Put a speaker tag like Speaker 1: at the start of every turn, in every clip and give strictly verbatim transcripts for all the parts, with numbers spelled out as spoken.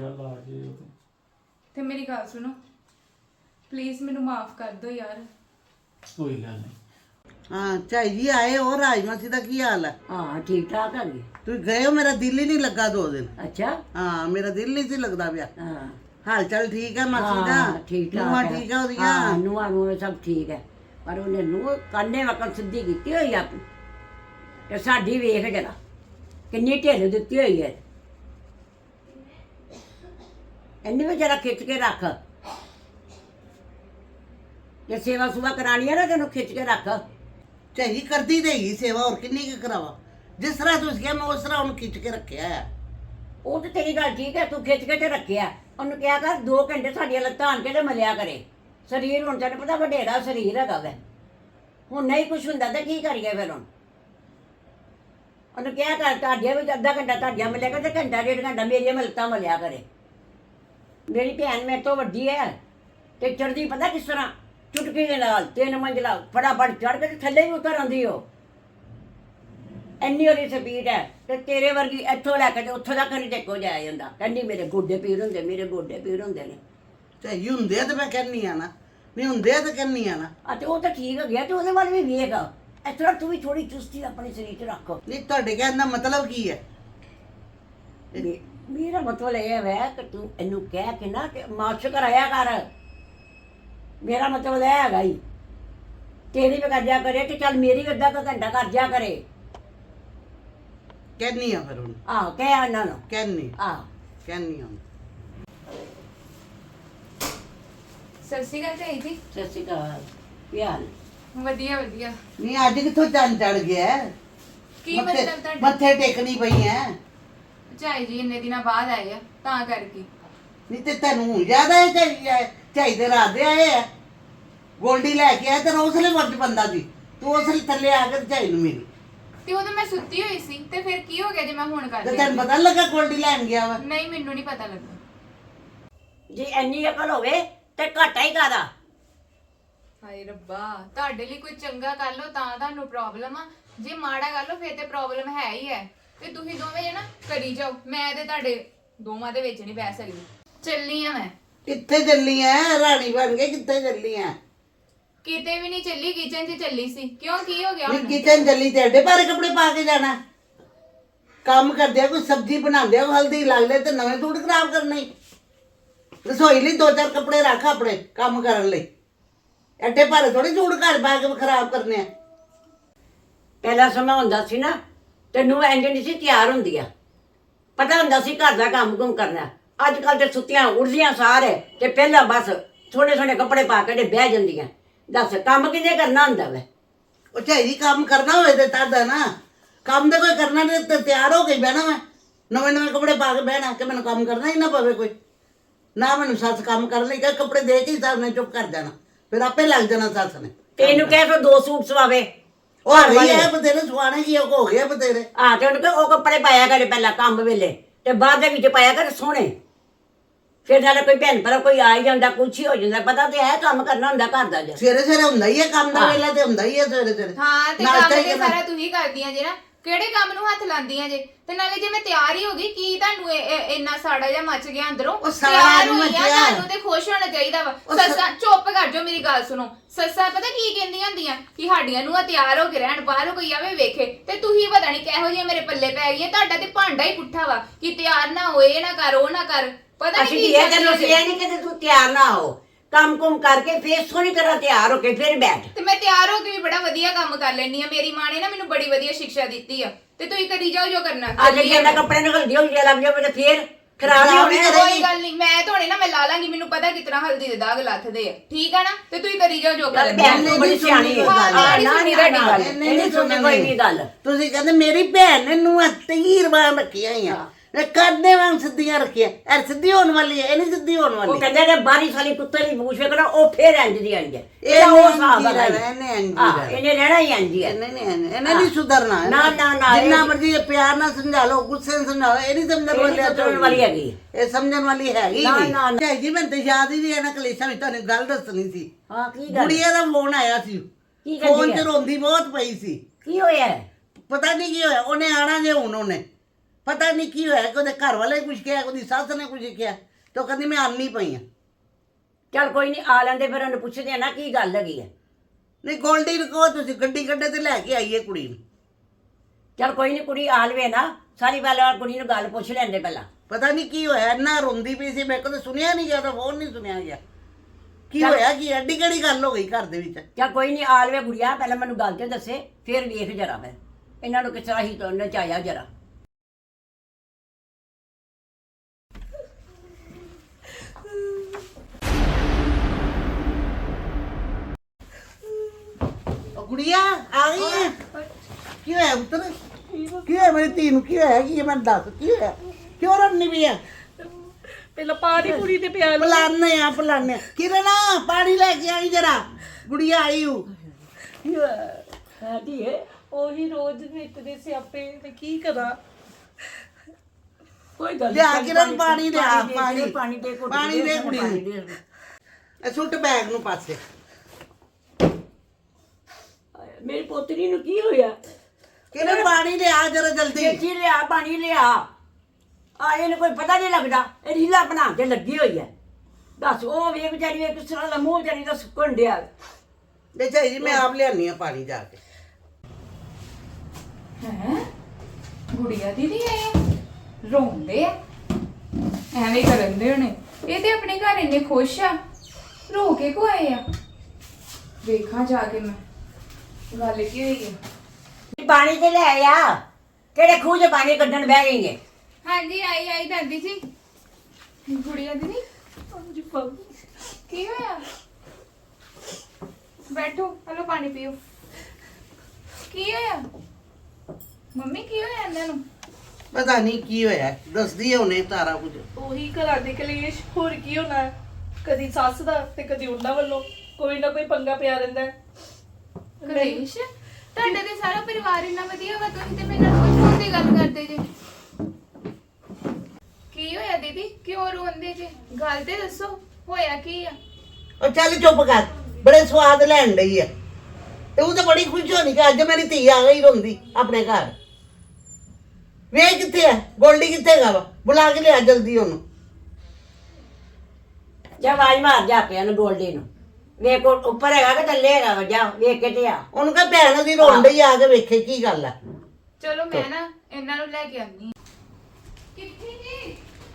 Speaker 1: ਚੱਲ ਆ ਜੇ ਉਹ
Speaker 2: ਤੇ ਮੇਰੀ ਗੱਲ ਸੁਣੋ ਪਲੀਜ਼ ਮੈਨੂੰ ਮਾਫ ਕਰ ਦਿਓ ਯਾਰ।
Speaker 1: ਕੋਈ ਗੱਲ ਨਹੀਂ।
Speaker 3: हाँ चाई जी आए हो राजमा सी दा की हाल है?
Speaker 4: हाँ ठीक ठाक है जी।
Speaker 3: तू गए हो मेरा दिल ही नहीं लगा दो दिन।
Speaker 4: अच्छा
Speaker 3: हाँ मेरा दिल नहीं सी लगता पिया।
Speaker 4: हाँ
Speaker 3: हाल चाल ठीक है मासी दा?
Speaker 4: हाँ, ठीक ठाक
Speaker 3: नुआ
Speaker 4: है।
Speaker 3: ठीक है ओदियां?
Speaker 4: हाँ नुआ नुआ सब ठीक है पर उन्हें नूह काने वकत सिद्धि की हुई अपनी ते साडी वेख जरा किन्नी ढिल दित्ती हुई है इन्नी भी जरा खिच के रख जे सेवा सुवा करानी है ना तेन खिच के रख।
Speaker 3: चाई जी करदी देगी सेवा और किन्नी की करावा जिस तरह तू किया मैं उस तरह उन्हें खिंच के रखा है।
Speaker 4: ਉਹ ਤੇ ਤੇਰੀ ਗੱਲ ਠੀਕ ਹੈ ਤੂੰ ਖਿੱਚ ਕੇ ਤੇ ਰੱਖਿਆ ਉਹਨੂੰ ਕਿਹਾ ਕਰ ਦੋ ਘੰਟੇ ਸਾਡੀਆਂ ਲੱਤਾਂ ਆਣ ਕੇ ਤੇ ਮਲਿਆ ਕਰੇ ਸਰੀਰ ਹੁਣ ਤੈਨੂੰ ਪਤਾ ਵੱਡੇਰਾ ਸਰੀਰ ਹੈਗਾ ਵੈ ਹੁਣ ਨਹੀਂ ਕੁਛ ਹੁੰਦਾ ਤੇ ਕੀ ਕਰੀਏ ਫਿਰ ਹੁਣ ਉਹਨੂੰ ਕਿਹਾ ਕਰ ਤੁਹਾਡੀਆਂ ਵਿੱਚ ਅੱਧਾ ਘੰਟਾ ਤੁਹਾਡੀਆਂ ਮਲਿਆ ਕਰੇ ਤੇ ਘੰਟਾ ਡੇਢ ਘੰਟਾ ਮੇਰੀਆਂ ਲੱਤਾਂ ਮਲਿਆ ਕਰੇ। ਮੇਰੀ ਭੈਣ ਮੇਰੇ ਤੋਂ ਵੱਡੀ ਹੈ ਤੇ ਚੜ੍ਹਦੀ ਪਤਾ ਕਿਸ ਤਰ੍ਹਾਂ ਚੁਟਕੀ ਦੇ ਨਾਲ ਤਿੰਨ ਮੰਜ਼ਲਾ ਫਟਾਫਟ ਚੜ੍ਹ ਕੇ ਤੇ ਥੱਲੇ ਵੀ ਉਤਰ ਆਉਂਦੀ ਉਹ ਇੰਨੀ ਉਹਦੀ ਸਪੀਡ ਹੈ ਤੇ ਤੇਰੇ ਵਰਗੀ ਇੱਥੋਂ ਲੈ ਕੇ ਤੇ ਉੱਥੋਂ ਤੱਕ ਨਹੀਂ ਟੇਕੋ ਜਾਇਆ ਜਾਂਦਾ ਕਹਿੰਦੀ ਮੇਰੇ ਗੋਡੇ ਪੀੜ ਹੁੰਦੇ ਮੇਰੇ ਗੋਡੇ ਪੀੜ ਹੁੰਦੇ ਨੇ।
Speaker 3: चाई जी हुंदे ते मैं कहनी आ ना नहीं हुंदे ते कहनी आ ना।
Speaker 4: ਆ ਤੇ ਉਹ ਤਾਂ ਠੀਕ ਹੋ ਗਿਆ ਤੇ ਉਹਦੇ ਵੱਲ ਵੀ ਵੇਖ ਇਸ ਤਰ੍ਹਾਂ ਤੂੰ ਵੀ ਥੋੜੀ ਚੁਸਤੀ ਆਪਣੇ ਸਰੀਰ 'ਚ ਰੱਖ।
Speaker 3: नहीं ਤੁਹਾਡੇ ਕਹਿਣ ਦਾ ਮਤਲਬ ਕੀ ਹੈ?
Speaker 4: ਮੇ- ਮੇਰਾ ਮਤਲਬ ਇਹ ਹੈ ਕਿ ਤੂੰ ਇਹਨੂੰ ਕਹਿ ਕੇ ਨਾ ਕਿ ਮਾਰਸ਼ ਕਰਾਇਆ ਕਰ ਮੇਰਾ ਮਤਲਬ ਇਹ ਹੈਗਾ ਹੀ ਤੇਰੀ ਵੀ ਕਰ ਜਾ ਕਰੇ ਤੇ ਚੱਲ ਮੇਰੀ ਵੀ ਅੱਧਾ ਕੁ ਘੰਟਾ ਕਰ ਜਾ ਕਰੇ।
Speaker 3: कहनी आ फिर उन्हें
Speaker 4: ਆਹ ਕਹਿ ਉਹਨਾਂ ਨੂੰ
Speaker 3: कहनी
Speaker 4: ਆਹ
Speaker 3: कहनी आ
Speaker 2: ਸਤਿ ਸ਼੍ਰੀ ਅਕਾਲ ਚਾਈ ਜੀ।
Speaker 4: ਸਤਿ ਸ਼੍ਰੀ ਅਕਾਲ ਕੀ ਹਾਲ?
Speaker 2: ਵਧੀਆ ਵਧੀਆ।
Speaker 3: नहीं आज किथों चंद चढ़ गया है?
Speaker 2: ਕੀ
Speaker 3: मत्थे-
Speaker 2: ਮਤਲਬ ਤੁਹਾਡਾ?
Speaker 3: मत्थे टेकनी पई है
Speaker 2: ਚਾਈ ਜੀ ਇੰਨੇ ਦਿਨਾਂ ਬਾਅਦ ਆਏ ਆ ਤਾਂ ਕਰਕੇ।
Speaker 3: नहीं ते तेनू याद है चाई चाई दे रात दे आए है गोल्डी लेके आया तेरा उसले वर्ज बंदा सी तू उसले थल्ले आके चाई नू मिली
Speaker 2: ਤੇ ਉਦੋਂ ਮੈਂ ਸੁੱਤੀ ਹੋਈ ਸੀ ਤੇ ਫਿਰ ਕੀ ਹੋ ਗਿਆ ਜੇ ਮੈਂ ਹੁਣ ਕਰ
Speaker 3: ते
Speaker 2: ਲਈ?
Speaker 3: तेन पता लगा गोल्डी लैन गया वा?
Speaker 2: ਨਹੀਂ ਮੈਨੂੰ ਨਹੀਂ ਪਤਾ ਲੱਗਾ।
Speaker 4: ਜੇ ਇੰਨੀ ਅਕਲ ਹੋਵੇ ਤੇ ਘਾਟਾ ਹੀ ਕਾਦਾ।
Speaker 2: ਹਾਏ ਰੱਬਾ ਤੁਹਾਡੇ ਲਈ ਕੋਈ ਚੰਗਾ ਕਰ ਲੋ ਤਾਂ ਤੁਹਾਨੂੰ ਪ੍ਰੋਬਲਮ ਆ ਜੇ ਮਾੜਾ ਕਰ ਲੋ ਫਿਰ ਤੇ ਪ੍ਰੋਬਲਮ ਹੈ ਹੀ ਹੈ ਤੇ ਤੁਸੀਂ ਦੋਵੇਂ ਜਣਾ ਕਰੀ ਜਾਓ ਮੈਂ ਤੇ ਤੁਹਾਡੇ ਦੋਵਾਂ ਦੇ ਵਿੱਚ ਨਹੀਂ ਬਹਿ ਸਕਦੀ। ਚੱਲੀ ਆ ਮੈਂ
Speaker 3: कित्थे चली है रानी बन के कित्थे चली है?
Speaker 2: ਕਿਤੇ ਵੀ ਨਹੀਂ ਚੱਲੀ ਕਿਚਨ 'ਚ ਚੱਲੀ ਸੀ ਕਿਉਂ ਕੀ ਹੋ ਗਿਆ
Speaker 3: नहीं
Speaker 2: ਹੁਣ?
Speaker 3: किचन चली ते एडे भारे कपड़े पा के जाना काम कर दिया कोई सब्जी बना दिया हल्दी ला ले ते नवे सूट खराब करने रसोई ਲਈ ਦੋ ਚਾਰ ਕੱਪੜੇ ਰੱਖ ਆਪਣੇ ਕੰਮ ਕਰਨ ਲਈ ਐਡੇ ਭਾਰੇ ਥੋੜੀ ਸੂਟ ਘਰ ਪਾ ਕੇ ਖਰਾਬ ਕਰਨੇ ਆ।
Speaker 4: ਪਹਿਲਾ ਸਮਾਂ ਹੁੰਦਾ ਸੀ ਨਾ ਤੈਨੂੰ ਇੰਜ ਨਹੀਂ ਸੀ ਤਿਆਰ ਹੁੰਦੀ ਆ ਪਤਾ ਹੁੰਦਾ ਸੀ ਘਰ ਦਾ ਕੰਮ ਕੁਮ ਕਰਨਾ। ਅੱਜ ਕੱਲ ਤੇ ਸੁੱਤੀਆਂ ਉੱਠਦੀਆਂ ਸਾਰੇ ਤੇ ਪਹਿਲਾਂ ਬਸ ਸੋਹਣੇ ਸੋਹਣੇ ਕੱਪੜੇ ਪਾ ਕੇ ਤੇ ਬਹਿ ਜਾਂਦੀਆਂ। ਦੱਸ ਕੰਮ ਕਿਹਨੇ ਕਰਨਾ ਹੁੰਦਾ ਵੈ?
Speaker 3: ਉਹ ਚਾਹੀਦੀ ਕੰਮ ਕਰਨਾ ਹੋਵੇ ਤੇ ਤਦ ਨਾ ਕੰਮ ਤੇ ਕੋਈ ਕਰਨਾ ਨਹੀਂ ਤੇ ਤਿਆਰ ਹੋ ਕੇ ਬਹਿਣਾ ਮੈਂ ਨਵੇਂ ਨਵੇਂ ਕੱਪੜੇ ਪਾ ਕੇ ਬਹਿਣਾ ਕਿ ਮੈਨੂੰ ਕੰਮ ਕਰਨਾ ਹੀ ਨਾ ਪਵੇ ਕੋਈ ਨਾ ਮੈਨੂੰ ਸੱਸ ਕੰਮ ਕਰਨ ਲਈ ਕਹੇ ਕੱਪੜੇ ਦੇ ਕੇ ਹੀ ਸੱਸ ਨੇ ਚੁੱਪ ਕਰ ਜਾਣਾ ਫਿਰ ਆਪੇ ਲੱਗ ਜਾਣਾ ਸੱਸ ਨੇ।
Speaker 4: ਤੈਨੂੰ ਕਹਿ ਫਿਰ ਦੋ ਸੂਟ ਸਵਾਵੇ
Speaker 3: ਉਹ ਆ ਗਈ ਹੈ ਬਤੇਰੇ ਸੁਆਣੇ ਕੀ ਹੋ ਗਿਆ ਬਤੇਰੇ
Speaker 4: ਆ ਤੇ ਉਹਨੂੰ ਕਹੇ ਉਹ ਕੱਪੜੇ ਪਾਇਆ ਕਰੇ ਪਹਿਲਾਂ ਕੰਮ ਵੇਲੇ ਤੇ ਬਾਅਦ ਦੇ ਵਿੱਚ ਪਾਇਆ ਕਰ ਸੋਹਣੇ ਫਿਰ ਨਾਲੇ ਕੋਈ ਭੈਣ ਭਰਾ ਕੋਈ ਆ ਹੀ ਜਾਂਦਾ ਕੁਛ ਹੀ ਹੋ ਜਾਂਦਾ ਪਤਾ ਤੇ ਹੈ ਕੰਮ ਕਰਨਾ ਹੁੰਦਾ ਘਰ ਦਾ ਜੇ
Speaker 3: ਸਵੇਰੇ ਸਵੇਰੇ ਹੁੰਦਾ ਹੀ ਹੈ ਕੰਮ ਦਾ ਵੇਲਾ ਤੇ ਹੁੰਦਾ ਹੀ ਹੈ ਸਵੇਰੇ ਸਵੇਰੇ
Speaker 2: ਹਾਂ ਤੇ
Speaker 3: ਨਾਸ਼ਤਾ
Speaker 2: ਕੰਮ
Speaker 3: ਹੀ
Speaker 2: ਤੇ
Speaker 3: ਕਰਨਾ।
Speaker 2: ਸਾਰਾ ਤੁਸੀਂ ਕਰਦੀਆਂ ਜੇ ਨਾ ਕਿਹੜੇ ਕੰਮ ਨੂੰ ਹੱਥ ਲਾਉਂਦੀਆਂ ਜੇ ਤੇ ਨਾਲੇ ਜੇ ਮੈਂ ਤਿਆਰ ਹੀ ਹੋ ਗਈ ਕੀ ਤੁਹਾਨੂੰ ਇਹ- ਇਹ- ਇੰਨਾ ਸਾੜਾ ਜਿਹਾ ਮੱਚ ਗਿਆ ਅੰਦਰੋਂ?
Speaker 3: ਉਹ ਸਾੜਾ
Speaker 2: ਤਿਆਰ
Speaker 3: ਨੀ
Speaker 2: ਹੋਈ ਆ,
Speaker 3: ਮੱਚਿਆ।
Speaker 2: ਤੁਹਾਨੂੰ ਤੇ ਖੁਸ਼ ਹੋਣਾ ਚਾਹੀਦਾ ਵਾ।
Speaker 3: ਉਹ ਸ-
Speaker 2: ਸੱਸਾਂ ਚੁੱਪ ਕਰ ਜਾਓ ਮੇਰੀ ਗੱਲ ਸੁਣੋ। ਸੱਸਾਂ ਪਤਾ ਕੀ ਕਹਿੰਦੀਆਂ ਹੁੰਦੀਆਂ ਕਿ ਸਾਡੀਆਂ ਨੂੰ ਤਿਆਰ ਹੋ ਕੇ ਰਹਿਣ ਬਾਹਰੋਂ ਕੋਈ ਆਵੇ ਵੇਖੇ ਤੇ ਤੁਸੀਂ ਪਤਾ ਨਹੀਂ ਕਿਹੋ ਜਿਹੀਆਂ ਮੇਰੇ ਪੱਲੇ ਪੈ ਗਈਆਂ। ਤੁਹਾਡਾ ਤੇ ਭਾਂਡਾ ਹੀ ਪੁੱਠਾ ਵਾ ਕਿ ਤਿਆਰ ਨਾ ਹੋਏ ਨਾ ਕਰ ਉਹ ਨਾ ਕਰ ਪਤਾ
Speaker 4: ਅਸੀਂ
Speaker 2: ਨਹੀਂ
Speaker 4: ਇਹ ਤੈਨੂੰ ਇਹ ਨਹੀਂ ਕਿ ਤੂੰ ਤਿਆਰ ਨਾ ਹੋ ਕੰਮ ਕੁਮ ਕਰਕੇ ਫੇਰ ਸੋਹਣੀ ਤਰ੍ਹਾਂ ਤਿਆਰ ਹੋ ਕੇ ਫਿਰ ਬੈਠ।
Speaker 2: ਤੇ ਮੈਂ ਤਿਆਰ ਹੋ ਕੇ ਵੀ ਬੜਾ ਵਧੀਆ ਕੰਮ ਕਰ ਲੈਣੀ ਆ। ਮੇਰੀ ਮਾਂ ਨੇ ਨਾ ਮੈਨੂੰ ਬੜੀ ਵਧੀਆ ਸਿੱਖਿਆ ਦਿੱਤੀ ਆ ਤੇ ਤੁਸੀਂ ਕਰੀ ਜਾਓ ਜੋ ਕਰਨਾ।
Speaker 4: ਅੱਜ ਜਿਹੜਾ ਕੱਪੜੇ ਨਿਕਲਦੀ ਹੋਈ ਜੇ ਲੱਗ ਜਾਵੇ ਤੇ ਫੇਰ ਖਰਾਬ ਹੀ ਹੋਣੇ ਆ।
Speaker 2: ਕੋਈ ਗੱਲ ਨਹੀਂ ਮੈਂ ਧੋਣੇ ਨਾ ਮੈਂ ਲਾ ਲਾਂਗੀ ਮੈਨੂੰ ਪਤਾ ਕਿਤਨਾ ਹਲਦੀ ਦੇ ਦਾਗ ਲੱਥਦੇ ਆ ਠੀਕ ਆ ਨਾ ਤੇ ਤੁਸੀਂ ਕਰੀ ਜਾਓ ਜੋ
Speaker 4: ਗੱਲ
Speaker 2: ਕਰਨਾ।
Speaker 4: ਭੈਣ ਨੂੰ ਬੜੀ ਸਿਆਣੀ ਹੈ।
Speaker 2: ਹਾਂ,
Speaker 4: ਨਾ
Speaker 2: ਨਹੀਂ
Speaker 4: ਨਾ
Speaker 2: ਸੁਣੀ
Speaker 4: ਨਾ
Speaker 2: ਤੁਹਾਡੀ ਗੱਲ।
Speaker 4: ਇਹਨੇ ਨਹੀਂ ਸੁਣੀ ਕੋਈ ਵੀ ਗੱਲ।
Speaker 3: ਤੁਸੀਂ ਕਹਿੰਦੇ ਮੇਰੀ ਭੈਣ ਨੇ ਨੂੰ ਤੀਰ ਬਾਣ ਰੱਖੀਆਂ ਹੀ ਆ ਨੇ ਕਰਦੇ ਵਾਂ ਸਿੱਧੀਆਂ ਰੱਖੀਆਂ ਐ ਸਿੱਧੀ ਹੋਣ ਵਾਲੀ ਹੈ ਇਹ ਨਹੀਂ ਸਿੱਧੀ ਹੋਣ
Speaker 4: ਉਹ
Speaker 3: ਵਾਲੀ।
Speaker 4: ਕਹਿੰਦੇ ਨੇ ਬਾਰੀ ਸਾਲੀ ਕੁੱਤੇ ਦੀ ਪੂਛ ਵੇਖਣਾ ਉਹ ਫੇਰ ਇੰਜ ਦੀ ਇੰਜ ਹੈ।
Speaker 3: ਇਹ
Speaker 4: ਇਹਦਾ ਉਹ
Speaker 3: ਇੰਝ
Speaker 4: ਹਿਸਾਬ
Speaker 3: ਹੀ
Speaker 4: ਹੈ
Speaker 3: ਰਹਿਣਾ, ਇਹਨੇ ਇੰਝ ਹੀ
Speaker 4: ਹਾਂ,
Speaker 3: ਰਹਿਣਾ।
Speaker 4: ਇਹਨੇ ਰਹਿਣਾ ਹੀ ਇੰਜ ਹੀ ਹੈ।
Speaker 3: ਇਹਨੇ ਨਹੀਂ ਇਹਨੇ ਨਹੀਂ ਸੁਧਰਨਾ
Speaker 4: ਨਾ, ਨਾ, ਨਾ,
Speaker 3: ਜਿੰਨਾ
Speaker 4: ਇਹ-
Speaker 3: ਮਰਜੀ ਪਿਆਰ ਨਾਲ ਸਮਝਾ ਲਓ ਗੁੱਸੇ ਨਾਲ ਸਮਝਾ ਲਓ ਇਹ ਨਹੀਂ ਸਮਝਣ
Speaker 4: ਇਹ
Speaker 3: ਵਾਲੀ
Speaker 4: ਨਹੀਂ ਸਮਝਣ ਵਾਲੀ ਹੈਗੀ।
Speaker 3: ਇਹ ਸਮਝਣ ਵਾਲੀ ਹੈਗੀ
Speaker 4: ਨਾ,
Speaker 3: ਨਹੀਂ।
Speaker 4: ਨਾ, ਨਾ।
Speaker 3: ਚਾਹੀ ਜੀ ਮੈਨੂੰ ਤੇ ਯਾਦ ਹੀ ਨਹੀਂ ਇਹਨਾਂ ਕਲੇਸ਼ਾਂ ਵਿੱਚ ਤੁਹਾਨੂੰ ਗੱਲ ਦੱਸਣੀ ਸੀ।
Speaker 4: ਹਾਂ ਕੀ ਗੱਲ
Speaker 3: ਗੁੜੀਆ ਦਾ ਫੋਨ ਆਇਆ ਸੀ
Speaker 4: ਕੀ ਕਹਿੰਦੀ
Speaker 3: ਫੋਨ 'ਚ
Speaker 4: ਹੈ?
Speaker 3: ਰੋਂਦੀ ਬਹੁਤ ਪਈ ਸੀ
Speaker 4: ਕੀ ਹੋਇਆ?
Speaker 3: ਪਤਾ ਨਹੀਂ ਕੀ ਹੋਇਆ ਉਹਨੇ ਆਣਾ ਜੇ ਹੁਣ ਉਹਨੇ ਪਤਾ ਨਹੀਂ ਕੀ ਹੋਇਆ ਕਿ ਉਹਦੇ ਘਰ ਵਾਲੇ ਕੁਝ ਕਿਹਾ, ਉਹਦੀ ਸੱਸ ਨੇ ਕੁਝ ਕਿਹਾ, ਤੇ ਉਹ ਕਹਿੰਦੀ ਮੈਂ ਆਨੀ ਪਈ ਆ।
Speaker 4: ਚੱਲ ਕੋਈ ਨਹੀਂ, ਆ ਲੈਂਦੇ ਫਿਰ ਉਹਨੂੰ ਪੁੱਛਦੇ ਆ ਨਾ ਕੀ ਗੱਲ ਹੈਗੀ ਹੈ।
Speaker 3: ਨਹੀਂ ਗੋਲਡੀ ਨੂੰ ਕਹੋ ਤੁਸੀਂ ਗੱਡੀ ਕੱਢੇ ਤੇ ਲੈ ਕੇ ਆਈਏ ਕੁੜੀ ਨੂੰ।
Speaker 4: ਚੱਲ ਕੋਈ ਨਹੀਂ, ਕੁੜੀ ਆ ਲਵੇ ਨਾ, ਸਾਰੀ ਪਹਿਲਾਂ ਕੁੜੀ ਨੂੰ ਗੱਲ ਪੁੱਛ ਲੈਂਦੇ ਪਹਿਲਾਂ।
Speaker 3: ਪਤਾ ਨਹੀਂ ਕੀ ਹੋਇਆ, ਇੰਨਾ ਰੋਂਦੀ ਪਈ ਸੀ, ਮੇਰੇ ਕੋਲ ਤਾਂ ਸੁਣਿਆ ਨਹੀਂ ਗਿਆ, ਤਾਂ ਫੋਨ ਨਹੀਂ ਸੁਣਿਆ ਗਿਆ। ਕੀ ਹੋਇਆ, ਕੀ ਐਡੀ ਕਿਹੜੀ ਗੱਲ ਹੋ ਗਈ ਘਰ ਦੇ ਵਿੱਚ?
Speaker 4: ਚੱਲ ਕੋਈ ਨਹੀਂ, ਆ ਲਵੇ ਗੁੜੀਆ, ਪਹਿਲਾਂ ਮੈਨੂੰ ਗੱਲ ਤੇ ਦੱਸੇ, ਫਿਰ ਵੇਖ ਜਰਾ ਮੈਂ ਇਹਨਾਂ ਨੂੰ ਕਿਸ ਤਰ੍ਹਾਂ ਹੀ ਤੋਂ ਨਚਾਇਆ ਜਰਾ।
Speaker 3: ਉਹ ਗੁੜੀਆ ਆ ਗਈ ਹੈ? ਕੀ ਹੋਇਆ ਪੁੱਤਰ? ਕੀ ਹੋਇਆ ਮੇਰੀ ਧੀ ਨੂੰ? ਕੀ ਹੋਇਆ? ਕੀ ਹੈ ਮੈਨੂੰ ਦੱਸ, ਕੀ ਹੋਇਆ? ਕਿਉਂ ਰੋਣੀ ਪਈ ਆ?
Speaker 5: ਪਹਿਲਾਂ ਪਾਣੀ ਪੂਰੀ ਤੇ ਪਿਆ ਲਓ।
Speaker 3: ਪਲਾਨੇ ਆ ਪਲਾਨੇ। ਕਿਰਨ ਪਾਣੀ ਲੈ ਕੇ ਆਈ ਜਰਾ, ਗੁੜੀਆ ਆਈ ਹੂੰ।
Speaker 4: ਆਦੀ ਹੈ
Speaker 5: ਉਹੀ ਰੋਜ਼ ਨਿੱਤ ਦੇ ਸਿਆਪੇ, ਮੈਂ ਕੀ ਕਰਾਂ?
Speaker 4: ਕੋਈ ਗੱਲ
Speaker 3: ਲਿਆ ਕਿਰਨ ਪਾਣੀ ਲਿਆ,
Speaker 4: ਦੇ,
Speaker 3: ਪਾਣੀ
Speaker 4: ਪਾਣੀ ਦੇ ਘੁੱਟ
Speaker 3: ਪਾਣੀ ਦੇ ਕੁੜੀ
Speaker 4: ਪਾਣੀ
Speaker 3: ਨੂੰ।
Speaker 4: ਦੇ।
Speaker 3: ਇਹ ਸੁੱਟ ਬੈਗ ਨੂੰ ਪਾਸੇ।
Speaker 4: ਮੇਰੀ ਪੋਤਰੀ ਨੂੰ ਕੀ ਹੋਇਆ?
Speaker 3: ਕਿਰਨ ਪਾਣੀ ਲਿਆ ਜਰਾ ਜਲਦੀ।
Speaker 4: ਛੇਤੀ ਲਿਆ, ਪਾਣੀ ਲਿਆ। ਆ ਇਹਨੂੰ ਕੋਈ ਪਤਾ ਨਹੀਂ ਲੱਗਦਾ, ਇਹ ਰੀਲਾ ਬਣਾ ਕੇ ਲੱਗੀ ਹੋਈ ਹੈ। ਦੱਸ ਉਹ ਵੇਖ ਵਿਚਾਰੀ ਵੇਖ ਕਿਸ ਤਰ੍ਹਾਂ ਦਾ ਮੂੰਹ ਵਿਚਾਰੀ ਦਾ ਸੁੱਕਣ ਡਿਆ।
Speaker 3: ਦੇ ਚਾਈ ਜੀ ਮੈਂ ਆਪ ਲਿਆਨੀ ਆ ਪਾਣੀ ਜਾ ਕੇ।
Speaker 2: ਹੈ ਗੁੜੀਆ ਦੀਦੀ ਆਏ ਆ, ਰੋਂਦੇ ਆ, ਐਵੇਂ ਕਰਨ ਦੇ ਹੋਣੇ। ਇਹ ਤੇ ਆਪਣੇ ਘਰ ਇੰਨੇ ਖੁਸ਼ ਆ, ਰੋ ਕੇ ਕੋ ਆਏ ਆ? ਵੇਖਾਂ ਜਾ ਕੇ ਮੈਂ ਗੱਲ ਕੀ ਹੋਈ ਆ।
Speaker 4: ਪਾਣੀ ਤੇ ਲੈ ਆ, ਕਿਹੜੇ ਖੂਹ 'ਚ ਪਾਣੀ ਕੱਢਣ ਬਹਿ ਗਈ ਨੇ?
Speaker 2: ਹਾਂਜੀ ਆਈ ਆਈ ਦਾਦੀ ਜੀ। ਗੁੜੀਆ ਦੀਦੀ
Speaker 5: ਹਾਂਜੀ ਪਾਪਾ,
Speaker 2: ਕੀ ਹੋਇਆ? ਬੈਠੋ, ਹਲੋ ਪਾਣੀ ਪੀਓ। ਕੀ ਹੋਇਆ ਮੰਮੀ? ਕੀ ਹੋਇਆ ਇਹਨਾਂ ਨੂੰ?
Speaker 3: ਪਤਾ ਨਹੀਂ ਕੀ ਹੋਇਆ, ਦੱਸਦੀ ਹੈ ਉਹਨੇ ਸਾਰਾ ਕੁਝ।
Speaker 5: ਉਹੀ ਘਰਾਂ ਦੇ ਕਲੇਸ਼, ਹੋਰ ਕੀ ਹੋਣਾ? ਕਦੀ ਸੱਸ ਦਾ ਤੇ ਕਦੀ ਉਹਨਾਂ ਵੱਲੋਂ ਕੋਈ ਨਾ ਕੋਈ ਪੰਗਾ ਪਿਆ ਰਹਿੰਦਾ ਹੈ।
Speaker 2: ਕਲੇਸ਼? ਤੁਹਾਡਾ ਤੇ ਸਾਰਾ ਪਰਿਵਾਰ ਇੰਨਾ ਵਧੀਆ ਵਾ, ਤੁਸੀਂ ਤੇ ਮੇਰੇ ਨਾਲ ਕੁਝ ਹੋਰ ਦੀ ਗੱਲ ਕਰਦੇ ਜੇ। ਕੀ ਹੋਇਆ ਦੀਦੀ, ਕਿਉਂ ਰੋਂਦੇ ਜੇ? ਗੱਲ ਤੇ ਦੱਸੋ, ਹੋਇਆ ਕੀ ਆ?
Speaker 3: ਉਹ ਚੱਲ ਚੁੱਪ ਕਰ, ਬੜੇ ਸਵਾਦ ਲੈਣ ਡਈ ਆ। ਤੇ ਉਹ ਤਾਂ ਬੜੀ ਖੁਸ਼ ਹੋਣੀ ਕਿ ਅੱਜ ਮੇਰੀ ਧੀ ਆ ਗਈ ਰੋਂਦੀ ਆਪਣੇ ਘਰ। ਵੇ ਕਿੱਥੇ ਆ ਗੋਲਡੀ? ਕਿੱਥੇ ਹੈਗਾ ਵਾ? ਬੁਲਾ ਕੇ ਲਿਆ ਜਲਦੀ ਉਹਨੂੰ।
Speaker 4: ਜਾ ਆਵਾਜ਼ ਮਾਰ ਜਾ ਪਿਆ ਨੂੰ ਗੋਲਡੀ ਨੂੰ, ਵੇਖ ਉਹ ਉੱਪਰ ਹੈਗਾ ਕਿ ਥੱਲੇ ਹੈਗਾ ਵਾ, ਜਾ ਵੇਖ ਕੇ ਤੇ ਆ।
Speaker 3: ਉਹਨੂੰ ਕਹ ਭੈਣ ਉਹਦੀ ਰੋਣ ਡਈ, ਆ ਕੇ ਵੇਖੇ ਕੀ ਗੱਲ ਆ।
Speaker 2: ਚਲੋ ਮੈਂ ਨਾ ਇਹਨਾਂ ਨੂੰ ਲੈ ਕੇ ਆਨੀ। ਕਿੱਥੇ ਜੀ?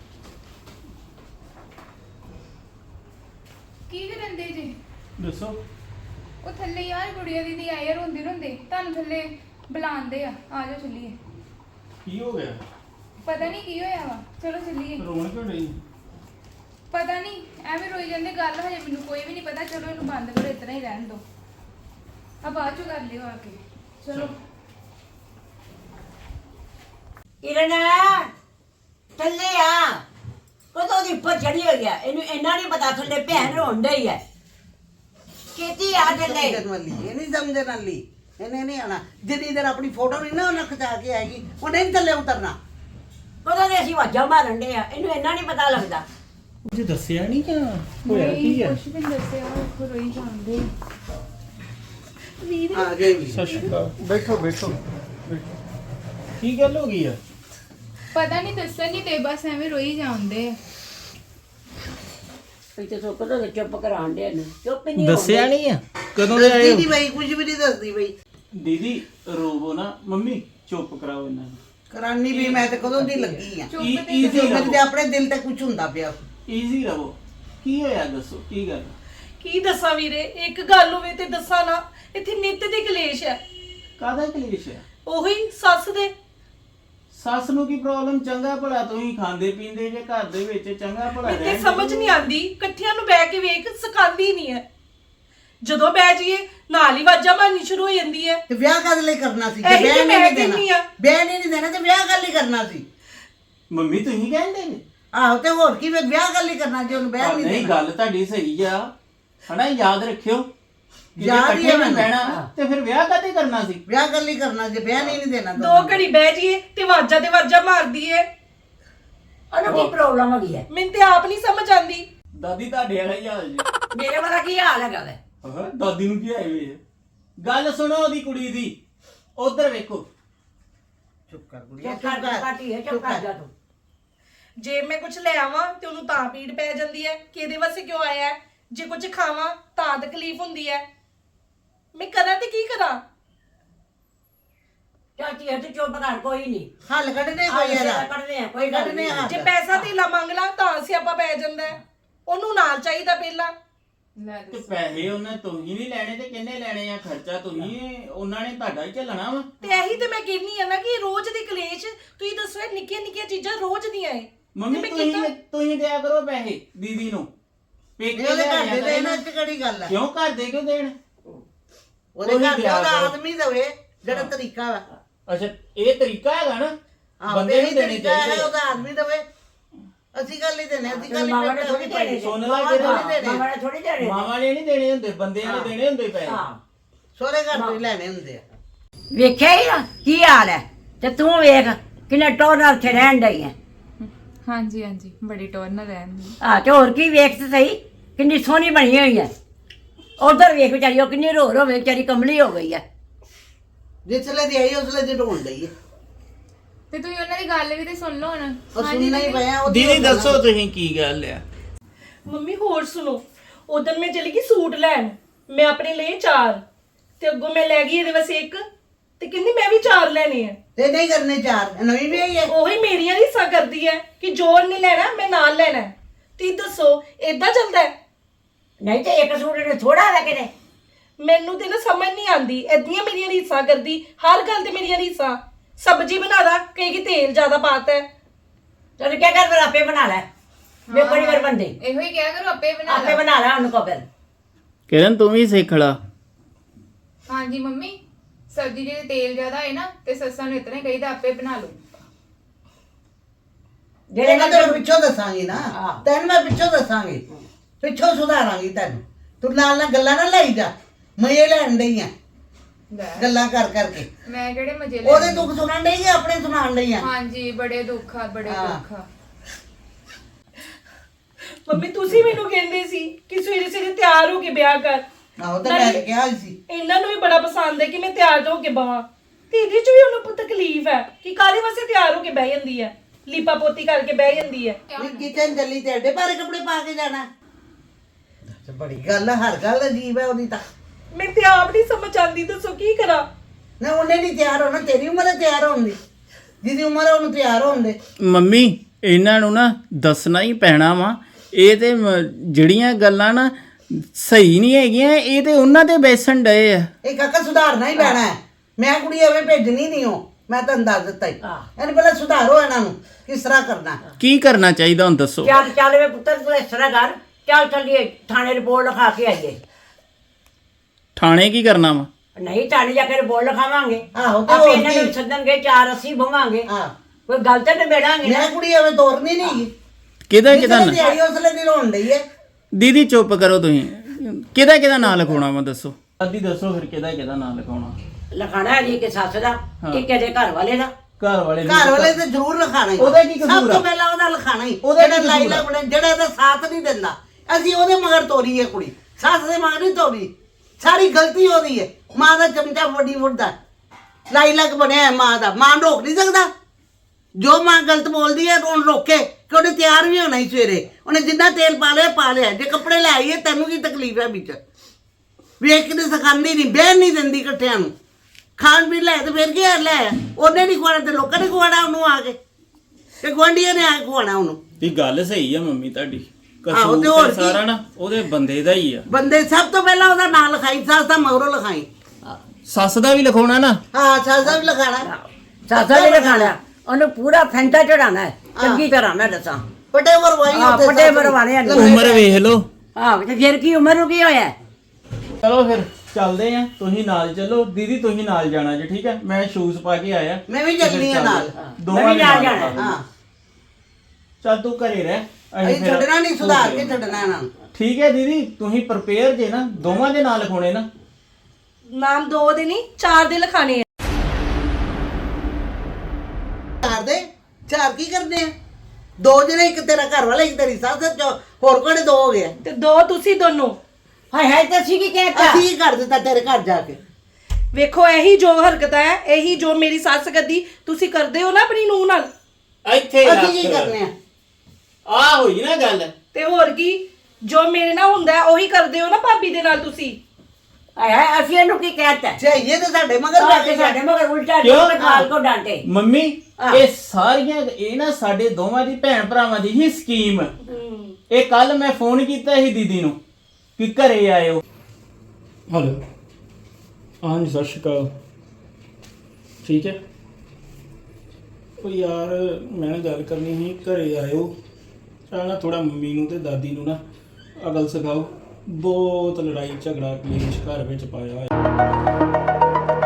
Speaker 2: ਕੀ ਕਰਨ ਦੇ ਜੀ?
Speaker 1: ਦੱਸੋ।
Speaker 2: ਉਹ ਥੱਲੇ ਯਾਰ ਗੁੜੀਆ ਦੀਦੀ ਆਏ ਆ ਰੋਂਦੇ ਰੋਂਦੇ, ਤੁਹਾਨੂੰ ਥੱਲੇ ਬੁਲਾਉਂਦੇ ਆ, ਆ ਜਾਓ ਚੱਲੀਏ।
Speaker 1: ਕੀ ਹੋ ਗਿਆ?
Speaker 2: ਪਤਾ ਨਹੀਂ ਕੀ ਹੋਇਆ ਵਾ, ਚਲੋ ਚੱਲੀਏ।
Speaker 1: ਰੋਣ ਕਿਉਂ ਨਹੀਂ?
Speaker 2: ਪਤਾ ਨਹੀਂ ਐਵੇਂ ਰੋਈ ਜਾਂਦੇ, ਗੱਲ ਹਜੇ ਮੈਨੂੰ ਕੋਈ ਵੀ ਨਹੀਂ ਪਤਾ। ਚਲੋ ਇਹਨੂੰ ਬੰਦ ਕਰੋ, ਇਤਨਾ ਹੀ ਰਹਿਣ ਦਿਓ, ਆ ਬਾਅਦ ਚੋਂ ਕਰ ਲਿਓ ਆ ਕੇ। ਚਲੋ
Speaker 4: ਕਿਰਨ ਥੱਲੇ ਆ, ਕਦੋਂ ਦੀ ਉੱਪਰ ਚੜੀ ਹੋਈ ਆ, ਇਹਨੂੰ ਇੰਨਾ ਨਹੀਂ ਪਤਾ ਥੱਲੇ ਭੈਣ ਰੋਣ ਡਈ ਹੈ। ਕੀਤੀ ਆ ਥੱਲੇ।
Speaker 3: ਸਮਝਣ ਵਾਲੀ ਇਹ ਨਹੀਂ ਸਮਝਣ ਵਾਲੀ, ਇਹਨੇ ਨਹੀਂ ਆਣਾ। ਜਿੰਨੀ ਦੇਰ ਆਪਣੀ ਫੋਟੋ ਨਹੀਂ ਨਾ ਉਹਨਾਂ ਖਿਚਾ ਕੇ ਆਏਗੀ, ਉਹਨੇ ਨਹੀਂ ਥੱਲੇ ਉਤਰਨਾ।
Speaker 4: ਕਦੋਂ ਦੇ ਅਸੀਂ ਵਾਜਾਂ ਮਾਰਨ ਡੇ ਆ, ਇਹਨੂੰ ਇੰਨਾ ਨਹੀਂ ਪਤਾ ਲੱਗਦਾ।
Speaker 1: ਕੁਝ ਦੱਸਿਆ ਨਹੀਂ ਕਿਆ ਹੋਇਆ? ਕੀ ਹੈ?
Speaker 2: ਕੁਝ ਵੀ ਨਹੀਂ ਦੱਸਿਆ, ਉਹ ਰੋਈ ਜਾਂਦੇ।
Speaker 3: ਆ ਗਏ ਵੀ।
Speaker 1: ਸਤਿ ਸ਼੍ਰੀ ਅਕਾਲ। ਬੈਠੋ ਬੈਠੋ ਬੈਠੋ। ਕੀ ਗੱਲ ਹੋ ਗਈ ਆ?
Speaker 2: ਪਤਾ ਨਹੀਂ ਦੱਸਣ ਨਹੀਂ ਤੇ ਬਸ ਐਵੇਂ ਰੋਈ ਜਾਂਦੇ।
Speaker 4: ਇੱਥੇ ਸੋ ਕਦੋਂ ਦੇ ਚੁੱਪ ਕਰਾਉਣ ਡੇ ਨੇ, ਚੁੱਪ ਹੀ ਨਹੀਂ
Speaker 1: ਦੱਸਿਆ ਨਹੀਂ ਆ ਕਦੋਂ ਦੇ ਆਏ
Speaker 3: ਦੱਸਦੀ
Speaker 1: ਹੋ?
Speaker 3: ਨਹੀਂ ਬਈ, ਕੁਝ ਵੀ ਨਹੀਂ ਦੱਸਦੀ ਬਈ।
Speaker 1: ਦੀਦੀ ਰੋਵੋ ਨਾ, ਮੰਮੀ ਚੁੱਪ ਕਰਾਓ ਇਹਨਾਂ ਨੂੰ।
Speaker 3: ਕਰਾਨੀ ਵੀ ਮੈਂ ਤੇ ਕਦੋਂ ਦੀ ਲੱਗੀ ਆ।
Speaker 2: ਚੁੱਪ
Speaker 1: ਈ-
Speaker 2: ਤੇ
Speaker 1: ਈਜ਼ੀ
Speaker 3: ਮੇਰੇ ਤੇ
Speaker 1: ਰਹੋ,
Speaker 3: ਆਪਣੇ ਦਿਲ ਤੇ ਕੁਝ ਹੁੰਦਾ ਪਿਆ।
Speaker 1: ਈਜ਼ੀ ਰਹੋ। ਕੀ ਹੋਇਆ ਦੱਸੋ, ਕੀ ਗੱਲ?
Speaker 5: ਕੀ ਦੱਸਾਂ ਵੀਰੇ, ਇੱਕ ਗੱਲ ਹੋਵੇ ਤੇ ਦੱਸਾਂ ਨਾ, ਇੱਥੇ ਨਿੱਤ ਦੀ ਕਲੇਸ਼ ਹੈ।
Speaker 1: ਕਾਹਦਾ ਕਲੇਸ਼ ਹੈ?
Speaker 5: ਉਹੀ ਸੱਸ ਦੇ।
Speaker 1: ਸੱਸ ਨੂੰ ਕੀ ਪ੍ਰੋਬਲਮ? ਚੰਗਾ ਭਲਾ ਤੁਸੀਂ ਖਾਂਦੇ ਪੀਂਦੇ ਜੇ ਘਰ ਦੇ ਵਿੱਚ, ਚੰਗਾ ਭਲਾ
Speaker 5: ਮੈਨੂੰ ਤੇ
Speaker 1: ਰਹਿੰਦੇ
Speaker 5: ਸਮਝ ਨਹੀਂ ਆਂਦੀ, ਇਕੱਠਿਆਂ ਨੂੰ ਬਹਿ ਕੇ ਵੇਖ ਸਿਖਾਉਂਦੀ ਨਹੀਂ ਹੈ। ਜਦੋਂ ਬਹਿ ਜਾਈਏ ਨਾਲ ਹੀ ਵਾਜਾ ਮਾਰਨੀ ਸ਼ੁਰੂ ਹੋ ਜਾਂਦੀ ਹੈ।
Speaker 3: ਤੇ ਵਿਆਹ ਕਦ ਲਈ ਕਰਨਾ ਸੀ? ਜੇ
Speaker 5: ਇਹੀ
Speaker 3: ਵਿਆਹ
Speaker 5: ਤੇ ਮੈਂ
Speaker 3: ਨਹੀਂ
Speaker 5: ਕਹਿੰਦੀ
Speaker 3: ਦੇਣਾ,
Speaker 5: ਆ।
Speaker 3: ਵਿਆਹ ਨਹੀਂ ਦੇਣਾ ਤੇ ਵਿਆਹ ਕਦ ਲਈ ਕਰਨਾ ਸੀ?
Speaker 1: ਮੰਮੀ ਤੁਸੀਂ ਕਹਿੰਦੇ ਨੇ।
Speaker 3: ਆਹੋ ਤੇ ਹੋਰ ਕੀ, ਫਿਰ ਵਿਆਹ ਕਦ ਲਈ ਕਰਨਾ ਜੇ ਉਹਨੂੰ ਵਿਆਹ
Speaker 1: ਆ,
Speaker 3: ਨਹੀਂ
Speaker 1: ਨਹੀਂ
Speaker 3: ਦੇਣਾ?
Speaker 1: ਗੱਲ ਤੁਹਾਡੀ ਸਹੀ ਆ, ਹਨਾ? ਯਾਦ ਰੱਖਿਓ ਕਿ ਜੇ
Speaker 3: ਯਾਦ ਹੀ
Speaker 1: ਇਕੱਠੇ
Speaker 3: ਆ
Speaker 1: ਨਹੀਂ
Speaker 3: ਮੈਨੂੰ।
Speaker 1: ਬਹਿਣਾ ਤੇ ਫਿਰ ਵਿਆਹ ਕਾਹਤੇ ਕਰਨਾ ਸੀ?
Speaker 3: ਵਿਆਹ ਕਦ ਲਈ ਕਰਨਾ ਜੇ ਵਿਆਹ ਨਹੀਂ ਦੇਣਾ?
Speaker 5: ਦੋ ਘੜੀ ਬਹਿ ਜਾਈਏ ਤੇ ਵਾਜਾ ਤੇ ਵਾਜਾ ਮਾਰਦੀ ਹੈ।
Speaker 4: ਉਹਨੂੰ ਕੀ ਪ੍ਰੋਬਲਮ ਹੋ ਗਈ ਹੈ?
Speaker 5: ਮੈਨੂੰ ਤੇ ਆਪ ਨਹੀਂ ਸਮਝ ਆਂਦੀ।
Speaker 1: ਦਾਦੀ ਤੁਹਾਡੇ ਵਾਲਾ ਹੀ ਹਾਲ ਜੀ।
Speaker 4: ਮੇਰੇ ਵਾਲਾ ਕੀ ਹਾਲ ਹੈਗਾ ਵੈ?
Speaker 1: ਹਾਂ, ਦਾਦੀ ਨੂੰ ਕੀ ਆਏ ਹੋਏ ਆ? ਗੱਲ ਸੁਣੋ ਉਹਦੀ ਕੁੜੀ ਦੀ, ਉਧਰ ਵੇਖੋ।
Speaker 3: ਚੁੱਪ ਕਰ ਗੁੜੀਆ
Speaker 4: ਚੁੱਪ ਕਰ ਪਾਟੀ ਹੈ ਚੁੱਪ ਕਰ ਜਾ ਤੂੰ
Speaker 5: ਜੇ ਮੈਂ ਕੁਝ ਲੈ ਆਵਾਂ ਤੇ ਉਹਨੂੰ ਤਾਂ ਪੀੜ ਪੈ ਜਾਂਦੀ ਹੈ ਕਿ ਇਹਦੇ ਵਾਸਤੇ ਕਿਉਂ ਆਇਆ ਹੈ। ਜੇ ਕੁਝ ਖਾਵਾਂ ਤਾਂ ਤਕਲੀਫ ਹੁੰਦੀ ਹੈ। ਮੈਂ ਕਰਾਂ ਤੇ ਕੀ ਕਰਾਂ?
Speaker 4: ਚਾਚੀ ਹੈ ਤੂੰ ਚੁੱਪ ਕਰ ਕੋਈ ਨਹੀਂ
Speaker 3: ਹੱਲ ਕੱਢਦੇ
Speaker 4: ਕੋਈ
Speaker 3: ਕੋਈ ਇਹਦਾ
Speaker 4: ਕੱਢਦੇ ਆ ਕੋਈ ਗੱਲ
Speaker 3: ਕੱਢਦੇ
Speaker 4: ਨਹੀਂ
Speaker 3: ਆ
Speaker 5: ਜੇ ਪੈਸਾ ਧੇਲਾ ਮੰਗ ਲਾ ਤਾਂ ਸਿਆਪਾ ਪੈ ਜਾਂਦਾ ਹੈ। ਉਹਨੂੰ ਨਾਲ ਚਾਹੀਦਾ ਪਹਿਲਾਂ।
Speaker 2: ਲੈ
Speaker 1: ਤੇ
Speaker 2: ਦੱਸ।
Speaker 1: ਪੈਸੇ ਉਹਨਾਂ ਤੁਸੀਂ ਨਹੀਂ ਲੈਣੇ ਤੇ ਕਿੰਨੇ ਲੈਣੇ ਆ? ਖਰਚਾ ਤੁਸੀਂ, ਉਹਨਾਂ ਨੇ ਤੁਹਾਡਾ ਹੀ ਝੱਲਣਾ ਵਾ।
Speaker 5: ਤੇ ਇਹੀ ਤੇ ਮੈਂ ਕਹਿੰਨੀ ਆ ਨਾ ਕਿ ਰੋਜ਼ ਦੀ ਕਲੇਸ਼। ਤੁਸੀਂ ਦੱਸੋ ਇਹ ਨਿੱਕੀਆਂ ਨਿੱਕੀਆਂ ਚੀਜ਼ਾਂ ਰੋਜ਼ ਦੀਆਂ ਏ।
Speaker 1: ਮੰਮੀ
Speaker 5: ਮੈਂ
Speaker 1: ਤੁਸੀਂ
Speaker 5: ਕਿੱਦਾਂ-
Speaker 1: ਤੁਸੀਂ ਦਿਆ ਕਰੋ ਪੈਸੇ ਦੀਦੀ ਨੂੰ, ਪੇਕੇ
Speaker 3: ਉਹਦੇ
Speaker 1: ਲੈ
Speaker 3: ਘਰ
Speaker 1: ਆਇਆ
Speaker 3: ਦੇ
Speaker 1: ਕਰੇ
Speaker 3: ਦੇਣਾ
Speaker 1: ਨਾ।
Speaker 3: ਤੇ ਕਿਹੜੀ ਗੱਲ ਹੈ?
Speaker 1: ਕਿਉਂ ਘਰ ਦੇ ਕਿਉਂ ਦੇਣ?
Speaker 3: ਉਹਦੇ
Speaker 1: ਉਹੀ
Speaker 3: ਘਰ
Speaker 1: ਦਿਆ
Speaker 3: ਦਾ
Speaker 1: ਕਰੋ।
Speaker 3: ਆਦਮੀ ਦੇਵੇ ਜਿਹੜਾ ਤਰੀਕਾ ਵਾ।
Speaker 1: ਅੱਛਾ ਇਹ ਤਰੀਕਾ ਹੈਗਾ ਨਾ,
Speaker 3: ਆਹ
Speaker 1: ਬੰਦੇ ਨੂੰ
Speaker 3: ਇਹੀ
Speaker 1: ਦੇਣੇ
Speaker 3: ਤਰੀਕਾ ਹੈ
Speaker 1: ਚਾਹੀਦੇ।
Speaker 3: ਉਹਦਾ ਆਦਮੀ ਦੇਵੇ। ਅਸੀਂ ਗੱਲ ਨਹੀਂ ਦੇਣੇ ਅਸੀਂ ਗੱਲ
Speaker 4: ਮਾਵਾਂ ਨੇ
Speaker 3: ਨਹੀਂ
Speaker 4: ਥੋੜੀ ਦੇਣੇ
Speaker 1: ਸੁਣ ਲੈ
Speaker 3: ਮਾਵਾਂ
Speaker 1: ਜਿਹੜਾ-
Speaker 3: ਥੋੜ੍ਹੀ ਦੇਣੇ।
Speaker 4: ਮਾਮਾ ਨੇ ਥੋੜੀ ਦੇਣੇ
Speaker 1: ਮਾਵਾਂ ਨੇ ਨਹੀਂ ਦੇਣੇ ਹੁੰਦੇ, ਬੰਦਿਆਂ ਨੇ ਦੇਣੇ ਹੁੰਦੇ ਪੈਸੇ।
Speaker 4: ਹਾਂ
Speaker 3: ਸੋਹਰੇ ਘਰ ਤੋਂ ਹੀ ਲੈਣੇ ਹੁੰਦੇ ਆ।
Speaker 4: ਵੇਖਿਆ ਹੀ ਨਾ ਕੀ ਹਾਲ ਹੈ ਤੇ ਤੂੰ ਵੇਖ ਕਿੰਨੇ ਟੋਰ ਨਾਲ ਇੱਥੇ ਰਹਿਣ ਡਈ ਹੈ।
Speaker 2: ਹਾਂਜੀ ਹਾਂਜੀ ਬੜੀ ਟੋਰ ਨਾਲ ਰਹਿੰਦੀ।
Speaker 4: ਆ ਤੇ ਹੋਰ ਕੀ ਵੇਖ ਤੇ ਸਹੀ ਕਿੰਨੀ ਸੋਹਣੀ ਬਣੀ ਹੋਈ ਹੈ। ਉਧਰ ਵੇਖ ਵਿਚਾਰੀ ਉਹ ਕਿੰਨੀ ਰੋ ਰੋ ਵੇ ਵਿਚਾਰੀ ਕਮਲੀ ਹੋ ਗਈ ਹੈ।
Speaker 3: ਜਿਸਲੇ ਦੀ ਆਈ ਉਸਲੇ ਦੀ ਢੋਣ ਲਈ ਹੈ।
Speaker 2: ਤੇ ਤੁਸੀਂ ਉਹਨਾਂ ਦੀ ਗੱਲ ਵੀ ਤੇ ਸੁਣ ਲਓ ਹੁਣ।
Speaker 3: ਉਹ ਸੁਣਨਾ ਹੀ ਪਿਆ ਉਹ
Speaker 1: ਦੀਦੀ ਦੱਸੋ ਤੁਸੀਂ ਕੀ ਗੱਲ ਆ?
Speaker 5: ਮੰਮੀ ਹੋਰ ਸੁਣੋ। ਉਦੋਂ ਮੈਂ ਚਲੀ ਗਈ ਸੂਟ ਲੈਣ। ਮੈਂ ਆਪਣੇ ਲਈ ਚਾਰ ਤੇ ਅੱਗੋਂ ਮੈਂ ਲੈ ਗਈ ਇਹਦੇ ਵਾਸਤੇ ਇੱਕ ਤੇ ਕਹਿੰਦੀ ਮੈਂ ਵੀ ਚਾਰ ਲੈਣੇ ਆ।
Speaker 3: ਤੇ ਨਹੀਂ ਕਰਨੇ ਚਾਰ ਨਵੀਂ ਵੀ ਆਈ ਹੈ।
Speaker 5: ਉਹੀ ਮੇਰੀਆਂ ਰੀਸਾਂ ਕਰਦੀ ਹੈ ਕਿ ਜੋ ਉਹਨੇ ਲੈਣਾ ਮੈਂ ਨਾਲ ਲੈਣਾ ਹੈ। ਤੁਸੀਂ ਦੱਸੋ ਏਦਾਂ ਚੱਲਦਾ ਹੈ?
Speaker 4: ਨਹੀਂ ਤੇ ਇੱਕ ਸੂਟ ਨੇ ਥੋੜਾ ਲੈ ਕੇ ਦੇ।
Speaker 5: ਮੈਨੂੰ ਤੇ ਨਾ ਸਮਝ ਨਹੀਂ ਆਉਂਦੀ। ਏਦੀਆਂ ਮੇਰੀਆਂ ਰੀਸਾਂ ਕਰਦੀ ਹਰ ਗੱਲ ਤੇ ਮੇਰੀਆਂ ਰੀਸਾਂ। ਸਬਜ਼ੀ ਬਣਾ ਦਾ ਕਹੇਗੀ ਤੇਲ ਜ਼ਿਆਦਾ ਪਾਤਾ ਹੈ।
Speaker 4: ਤੈਨੂੰ ਕਿਆ ਕਰ ਫਿਰ ਆਪੇ ਬਣਾ ਲੈ ਮੈਂ ਬੜੀ ਵਾਰ ਬੰਦੇ
Speaker 2: ਇਹੋ ਹੀ ਕਿਹਾ ਕਰੋ ਆਪੇ ਬਣਾ
Speaker 4: ਆਪੇ
Speaker 2: ਲਓ।
Speaker 4: ਬਣਾ ਲੈ ਉਹਨੂੰ ਕੋ ਫਿਰ
Speaker 1: ਕਿਰਨ ਤੂੰ ਵੀ ਸਿੱਖ ਲਾ।
Speaker 2: ਹਾਂਜੀ ਮੰਮੀ ਸਬਜ਼ੀ ਜੇ ਤੇਲ ਜ਼ਿਆਦਾ ਹੈ ਨਾ ਤੇ ਸੱਸਾਂ ਨੂੰ ਇਤਨਾ ਹੀ ਕਹੀਦਾ ਆਪੇ ਬਣਾ ਲਓ।
Speaker 3: ਜਿਹੜੇ ਮੈਂ
Speaker 4: ਗੱਲ
Speaker 3: ਤੈਨੂੰ ਪਿੱਛੋਂ ਦੱਸਾਂਗੀ ਨਾ
Speaker 4: ਹਾਂ।
Speaker 3: ਤੈਨੂੰ ਮੈਂ ਪਿੱਛੋਂ ਦੱਸਾਂਗੀ ਪਿੱਛੋਂ ਸੁਧਾਰਾਂਗੀ ਤੈਨੂੰ। ਤੂੰ ਨਾਲ ਨਾਲ ਗੱਲਾਂ ਨਾ ਲਾਈ ਜਾ ਮਜ਼ੇ ਲੈਣ ਡਈ ਆ
Speaker 2: ਲੈ
Speaker 3: ਗੱਲਾਂ ਕਰ ਕਰਕੇ।
Speaker 2: ਮੈਂ ਕਿਹੜੇ ਮਜੇ ਲੈ
Speaker 3: ਉਹਦੇ ਦੁੱਖ ਸੁਣਨ ਡਈ ਆ ਆਪਣੇ ਸੁਣਾਉਣ ਡਈ ਆ।
Speaker 2: ਹਾਂਜੀ ਬੜੇ ਦੁੱਖ ਆ ਬੜੇ
Speaker 3: ਹਾਂ।
Speaker 2: ਦੁੱਖ ਆ।
Speaker 5: ਮੰਮੀ ਤੁਸੀਂ ਮੈਨੂੰ ਕਹਿੰਦੇ ਸੀ ਕਿ ਸਵੇਰੇ ਸਵੇਰੇ ਤਿਆਰ ਹੋ ਕੇ ਵਿਆਹ ਕਰ।
Speaker 3: ਆਹੋ ਤਾਂ ਮੈਂ ਕਿਹਾ ਹੀ ਸੀ।
Speaker 5: ਇਹਨਾਂ ਨੂੰ ਵੀ ਬੜਾ ਪਸੰਦ ਹੈ ਕਿ ਮੈਂ ਤਿਆਰ ਹੋ ਕੇ ਬਵਾਂ। ਤੇ ਇਹਦੇ ਚ ਵੀ ਉਹਨੂੰ ਪ- ਤਕਲੀਫ ਹੈ ਕਿ ਕਾਹਦੇ ਵਾਸਤੇ ਤਿਆਰ ਹੋ ਕੇ ਬਹਿ ਜਾਂਦੀ ਹੈ। ਲੀਪਾ ਪੋਤੀ ਕਰਕੇ ਬਹਿ ਜਾਂਦੀ ਹੈ।
Speaker 3: ਵੀ ਕਿਚਨ ਚੱਲੀ ਤੇ ਐਡੇ ਭਾਰੇ ਕੱਪੜੇ ਪਾ ਕੇ ਜਾਣਾ। ਤੇ ਬੜੀ ਗੱਲ ਆ, ਹਰ ਗੱਲ ਅਜੀਬ ਹੈ ਉਹਦੀ ਤਾਂ।
Speaker 5: ਮੈਂ ਤੇ ਆਪ ਨਹੀਂ ਸਮਝ ਆਉਂਦੀ। ਦੱਸੋ ਕੀ ਕਰਾਂ?
Speaker 3: ਨਾ ਉਹਨੇ ਨਹੀਂ ਤਿਆਰ ਹੋਣਾ, ਤੇਰੀ ਉਮਰ ਹੈ ਤਿਆਰ ਹੋਣ ਦੀ। ਜਿਹਦੀ ਉਮਰ ਹੈ ਉਹਨੂੰ ਤਿਆਰ ਹੋਣ ਦੇ।
Speaker 1: ਮੰਮੀ ਇਹਨਾਂ ਨੂੰ ਨਾ ਦੱਸਣਾ ਹੀ ਪੈਣਾ ਵਾ। ਇਹ ਤੇ ਮ- ਜਿਹੜੀਆਂ ਗੱਲਾਂ ਨਾ ਸਹੀ ਨਹੀਂ ਹੈਗੀਆਂ, ਇਹ ਤੇ ਉਹਨਾਂ ਤੇ ਬੈਸਣ ਡਏ ਆ।
Speaker 3: ਇਹ ਕਾਕਾ ਸੁਧਾਰਨਾ ਹੀ ਪੈਣਾ ਹੈ। ਮੈਂ ਕੁੜੀ ਐਵੇਂ ਭੇਜਣੀ ਨਹੀਂ ਹੋ। ਮੈਂ ਤੁਹਾਨੂੰ ਦੱਸ ਦਿੱਤਾ ਹੀ।
Speaker 4: ਹਾਂ।
Speaker 3: ਇਹਨੂੰ ਪਹਿਲਾਂ ਸੁਧਾਰੋ ਇਹਨਾਂ ਨੂੰ ਕਿਸ ਤਰ੍ਹਾਂ ਕਰਨਾ।
Speaker 1: ਕੀ ਕਰਨਾ ਚਾਹੀਦਾ ਹੁਣ ਦੱਸੋ?
Speaker 4: ਚੱਲ ਚੱਲ ਵੇ ਪੁੱਤਰ ਤੂੰ ਇਸ ਤਰ੍ਹਾਂ ਕਰ ਚੱਲ ਚੱਲੀਏ ਥਾਣੇ ਰਿਪੋਰਟ ਲਿਖਾ ਕੇ ਆਈਏ।
Speaker 1: ਥਾਣੇ ਕੀ ਕਰਨਾ ਵਾ?
Speaker 4: ਨਹੀਂ ਥਾਣੇ ਜਾ ਕੇ ਰਿਪੋਰਟ ਲਿਖਾਵਾਂਗੇ।
Speaker 3: ਆਹੋ ਤੇ
Speaker 4: ਆਪੇ
Speaker 3: ਹੋਰ
Speaker 4: ਇਹਨਾਂ ਨੂੰ
Speaker 3: ਕੀ?
Speaker 4: ਸੱਦਣਗੇ ਚਾਰ ਅਸੀਂ ਬਵਾਂਗੇ
Speaker 3: ਹਾਂ
Speaker 4: ਕੋਈ ਗੱਲ ਤੇ ਨਿਬੇੜਾਂਗੇ ਨਾ।
Speaker 3: ਮੈਂ ਕੁੜੀ ਐਵੇਂ ਤੋਰਨੀ ਨਹੀਂ ਹੈਗੀ।
Speaker 1: ਕਿਹਦਾ ਕਿਹਦਾ
Speaker 3: ਜਿਸਲੇ ਦੀ ਆਈ ਉਸਲੇ ਦੀ ਰੋਣ ਡਈ ਹੈ।
Speaker 1: ਦੀਦੀ ਚੁੱਪ ਕਰੋ ਤੁਸੀਂ। ਕਿਹਦਾ ਕਿਹਦਾ ਨਾਂ ਲਿਖਾਉਣਾ ਵਾ ਦੱਸੋ? ਅੱਦੀ ਦੱਸੋ ਫਿਰ ਕਿਹਦਾ ਕਿਹਦਾ ਨਾਂ ਲਿਖਾਉਣਾ?
Speaker 4: ਲਿਖਾਣਾ ਹੈ ਜੀ ਕਿ ਸੱਸ ਦਾ
Speaker 1: ਹਾਂ।
Speaker 4: ਇੱਕ ਇਹਦੇ ਘਰ ਵਾਲੇ ਦਾ।
Speaker 1: ਘਰ ਵਾਲੇ ਨੂੰ
Speaker 3: ਘਰ ਵਾਲੇ ਤੇ ਜ਼ਰੂਰ ਲਿਖਾਣਾ ਹੀ।
Speaker 1: ਉਹਦਾ ਕੀ ਕਸੂਰ
Speaker 3: ਸਭ
Speaker 1: ਆ?
Speaker 3: ਤੋਂ ਪਹਿਲਾਂ ਉਹਦਾ ਲਿਖਾਣਾ ਹੀ।
Speaker 1: ਉਹਦਾ ਕੀ
Speaker 3: ਜਿਹੜਾ
Speaker 1: ਕਸੂਰ
Speaker 3: ਲਾਈਲਾ
Speaker 1: ਆ?
Speaker 3: ਬਣੇ ਜਿਹੜਾ ਇਹਦਾ ਸਾਥ ਨਹੀਂ ਦਿੰਦਾ। ਅਸੀਂ ਉਹਦੇ ਮਗਰ ਤੋਰੀ ਹੈ ਕੁੜੀ। ਸੱਸ ਦੇ ਮਗਰ ਨਹੀਂ ਤੋਰੀ। ਸਾਰੀ ਗਲਤੀ ਉਹਦੀ ਹੈ। ਮਾਂ ਦਾ ਚਮਚਾ ਵੱਡੀ ਫੁੱਟਦਾ। ਲਾਈਲਾ ਕ ਬਣਿਆ ਹੈ ਮਾਂ ਦਾ। ਮਾਂ ਰੋਕ ਨਹੀਂ ਸਕਦਾ। ਜੋ ਮਾਂ ਗਲਤ ਬੋਲਦੀ ਹੈ ਉਹਨੂੰ ਰੋਕੇ ਕਿ ਉਹਨੇ ਤਿਆਰ ਵੀ ਹੋਣਾ ਹੀ ਸਵੇਰੇ। ਉਹਨੇ ਜਿੰਨਾ ਤੇਲ ਪਾ ਲਿਆ ਪਾ ਲਿਆ। ਜੇ ਕੱਪੜੇ ਲੈ ਆਈਏ ਤੈਨੂੰ ਕੀ ਤਕਲੀਫ ਹੈ ਵਿੱਚ? ਵੇਖ ਕੇ ਸਿਖਾਉਂਦੀ ਨਹੀਂ, ਬਹਿਣ ਨਹੀਂ ਦਿੰਦੀ ਇਕੱਠਿਆਂ ਨੂੰ। ਖਾਣ ਪੀਣ ਲੈ ਤੇ ਫਿਰ ਕੀ ਲੈ ਆਇਆ? ਉਹਨੇ ਨਹੀਂ ਖਵਾਣਾ ਤੇ ਲੋਕਾਂ ਨੇ ਖਵਾਣਾ ਉਹਨੂੰ ਆ ਕੇ। ਤੇ ਗੁਆਂਢੀਆਂ ਨੇ ਆ ਕੇ ਖਵਾਣਾ ਉਹਨੂੰ।
Speaker 1: ਦੀ ਗੱਲ ਸਹੀ ਆ ਮੰਮੀ ਤੁਹਾਡੀ।
Speaker 3: ਆਹੋ ਤੇ
Speaker 1: ਕਸੂਰ
Speaker 3: ਹੋਰ
Speaker 1: ਤੇ
Speaker 3: ਕੀ?
Speaker 1: ਸਾਰਾ ਨਾ ਉਹਦੇ ਬੰਦੇ ਦਾ ਹੀ ਆ।
Speaker 3: ਬੰਦੇ ਸਭ ਤੋਂ ਪਹਿਲਾਂ ਉਹਦਾ ਨਾਂ ਲਿਖਾਈ। ਸੱਸ ਦਾ ਮਗਰੋਂ ਲਿਖਾਈ।
Speaker 1: ਸੱਸ ਦਾ ਵੀ ਲਿਖਾਉਣਾ ਨਾ।
Speaker 3: ਹਾਂ ਸੱਸ ਦਾ ਵੀ ਲਿਖਾਣਾ।
Speaker 4: ਸੱਸ ਦਾ ਵੀ ਲਿਖਾਣਾ ਉਹਨੂੰ ਪੂਰਾ ਫੈਂਟਾ ਚੜਾਣਾ ਹੈ ਚੰਗੀ ਤਰ੍ਹਾਂ ਮੈਂ ਦੱਸਾਂ।
Speaker 3: ਪਟੇ ਮਰਵਾਈ
Speaker 4: ਹਾਂ,
Speaker 3: ਉੱਥੇ
Speaker 4: ਪਟੇ
Speaker 3: ਸੱਸ ਨੂੰ।
Speaker 4: ਮਰਵਾਣੇ ਆ।
Speaker 1: ਉਮਰ ਵੇਖ ਲਓ।
Speaker 4: ਹਾਂ ਤੇ ਫਿਰ ਕੀ ਉਮਰ ਨੂੰ ਕੀ ਹੋਇਆ?
Speaker 1: ਚਲੋ ਫਿਰ ਚੱਲਦੇ ਆ। ਤੁਸੀਂ ਨਾਲ ਚੱਲੋ। ਦੀਦੀ ਤੁਸੀਂ ਨਾਲ ਜਾਣਾ ਜੀ, ਠੀਕ ਹੈ? ਮੈਂ ਸ਼ੂਜ਼ ਪਾ ਕੇ ਆਇਆ।
Speaker 3: ਮੈਂ ਵੀ ਚੱਲਣੀ ਆ ਨਾਲ।
Speaker 1: ਦੋਵਾਂ
Speaker 4: ਮੈਂ ਵੀ
Speaker 1: ਦੇ
Speaker 4: ਨਾਲ
Speaker 1: ਨਾਲ
Speaker 4: ਜਾਣਾ।
Speaker 3: ਹਾਂ
Speaker 1: ਚੱਲ ਤੂੰ ਘਰੇ ਰਹਿ।
Speaker 3: ਅਸੀਂ
Speaker 1: ਫਿਰ
Speaker 3: ਛੱਡਣਾ ਨਹੀਂ, ਸੁਧਾਰ
Speaker 1: ਹੋ
Speaker 3: ਕੇ
Speaker 1: ਜਾਏਗਾ।
Speaker 3: ਛੱਡਣਾ ਇਹਨਾਂ ਨੂੰ।
Speaker 1: ਠੀਕ ਹੈ ਦੀਦੀ ਤੁਸੀਂ ਪ੍ਰਪੇਅਰ ਜੇ ਨਾ। ਦੋਵਾਂ ਦੇ ਨਾਲ ਲਿਖਾਉਣੇ ਨਾ।
Speaker 5: ਨਾਮ ਦੋ ਦੇ ਨਹੀਂ ਚਾਰ ਦੇ ਲਿਖਾਣੇ ਆ।
Speaker 3: ਚਾਰ ਦੇ ਚਾਰ ਕੀ ਕਰਦੇ ਆ? ਦੋ ਜਣੇ, ਇੱਕ ਤੇਰਾ ਘਰ ਵਾਲਾ ਇੱਕ ਤੇਰੀ ਸੱਸ। ਚੋ ਹੋਰ ਕੋੜੇ ਦੋ ਹੋ ਗਏ।
Speaker 5: ਤੇ ਦੋ ਤੁਸੀਂ ਦੋਨੋਂ।
Speaker 4: ਹਾਏ ਹਾਏ ਤਾਂ ਸੀ ਕੀ ਕਹਿਤਾ?
Speaker 3: ਅਸੀਂ ਕੀ ਕਰ ਦਿੱਤਾ ਤੇਰੇ ਘਰ ਜਾ ਕੇ?
Speaker 5: ਵੇਖੋ ਇਹੀ ਜੋ ਹਰਕਤਾਂ ਹੈ, ਇਹੀ ਜੋ ਮੇਰੀ ਸੱਸ ਕਰਦੀ ਤੁਸੀਂ ਕਰਦੇ ਹੋ ਨਾ ਆਪਣੀ ਨੂੰਹ ਨਾਲ।
Speaker 1: ਇੱਥੇ ਹੀ
Speaker 3: ਅਸੀਂ ਕੀ
Speaker 1: ਰੱਖ।
Speaker 3: ਕਰਨੇ ਆ?
Speaker 1: ਆ ਹੋਈ ਨਾ ਗੱਲ।
Speaker 5: ਤੇ ਹੋਰ ਕੀ, ਜੋ ਮੇਰੇ ਨਾਲ ਹੁੰਦਾ ਹੈ, ਉਹੀ ਕਰਦੇ ਹੋ ਨਾ ਭਾਬੀ ਦੇ ਨਾਲ ਤੁਸੀਂ।
Speaker 4: ਆਏ ਹਾਏ, ਅਸੀਂ ਇਹਨੂੰ ਕੀ ਕਹਿਤਾ?
Speaker 3: ਚਾਹੀਏ ਤੇ ਸਾਡੇ ਮਗਰ
Speaker 4: ਆ
Speaker 3: ਲੱਗ
Speaker 4: ਕੇ
Speaker 3: ਜਾ।
Speaker 4: ਸਾਡੇ ਮਗਰ ਉਲਟਾ
Speaker 1: ਕਿਉਂ?
Speaker 4: ਡੋਲ ਕਾਲ ਕੋ ਡਾਂਟੇ।
Speaker 1: ਮੰਮੀ
Speaker 4: ਹਾਂ।
Speaker 1: ਇਹ ਸਾਰੀਆਂ ਇਹ ਨਾ ਸਾਡੇ ਦੋਵਾਂ ਦੀ ਭੈਣ ਭਰਾਵਾਂ ਦੀ ਹੀ ਸਕੀਮ। ਇਹ ਕੱਲ ਮੈਂ ਫੋਨ ਕੀਤਾ ਸੀ ਦੀਦੀ ਨੂੰ ਕਿ ਘਰੇ ਆਇਓ।
Speaker 6: ਹੈਲੋ ਹਾਂਜੀ ਸਤਿ ਸ਼੍ਰੀ ਅਕਾਲ। ਠੀਕ ਹੈ ਉਹ ਯਾਰ ਮੈਂ ਨਾ ਗੱਲ ਕਰਨੀ ਸੀ, ਘਰੇ ਆਇਓ। ਚੱਲ ਨਾ ਥੋੜਾ ਮੰਮੀ ਨੂੰ ਤੇ ਦਾਦੀ ਨੂੰ ਨਾ ਅਕਲ ਸਿਖਾਓ। ਬਹੁਤ ਲੜਾਈ ਝਗੜਾ ਕਲੇਸ਼ ਘਰ ਵਿੱਚ ਪਾਇਆ ਹੋਇਆ।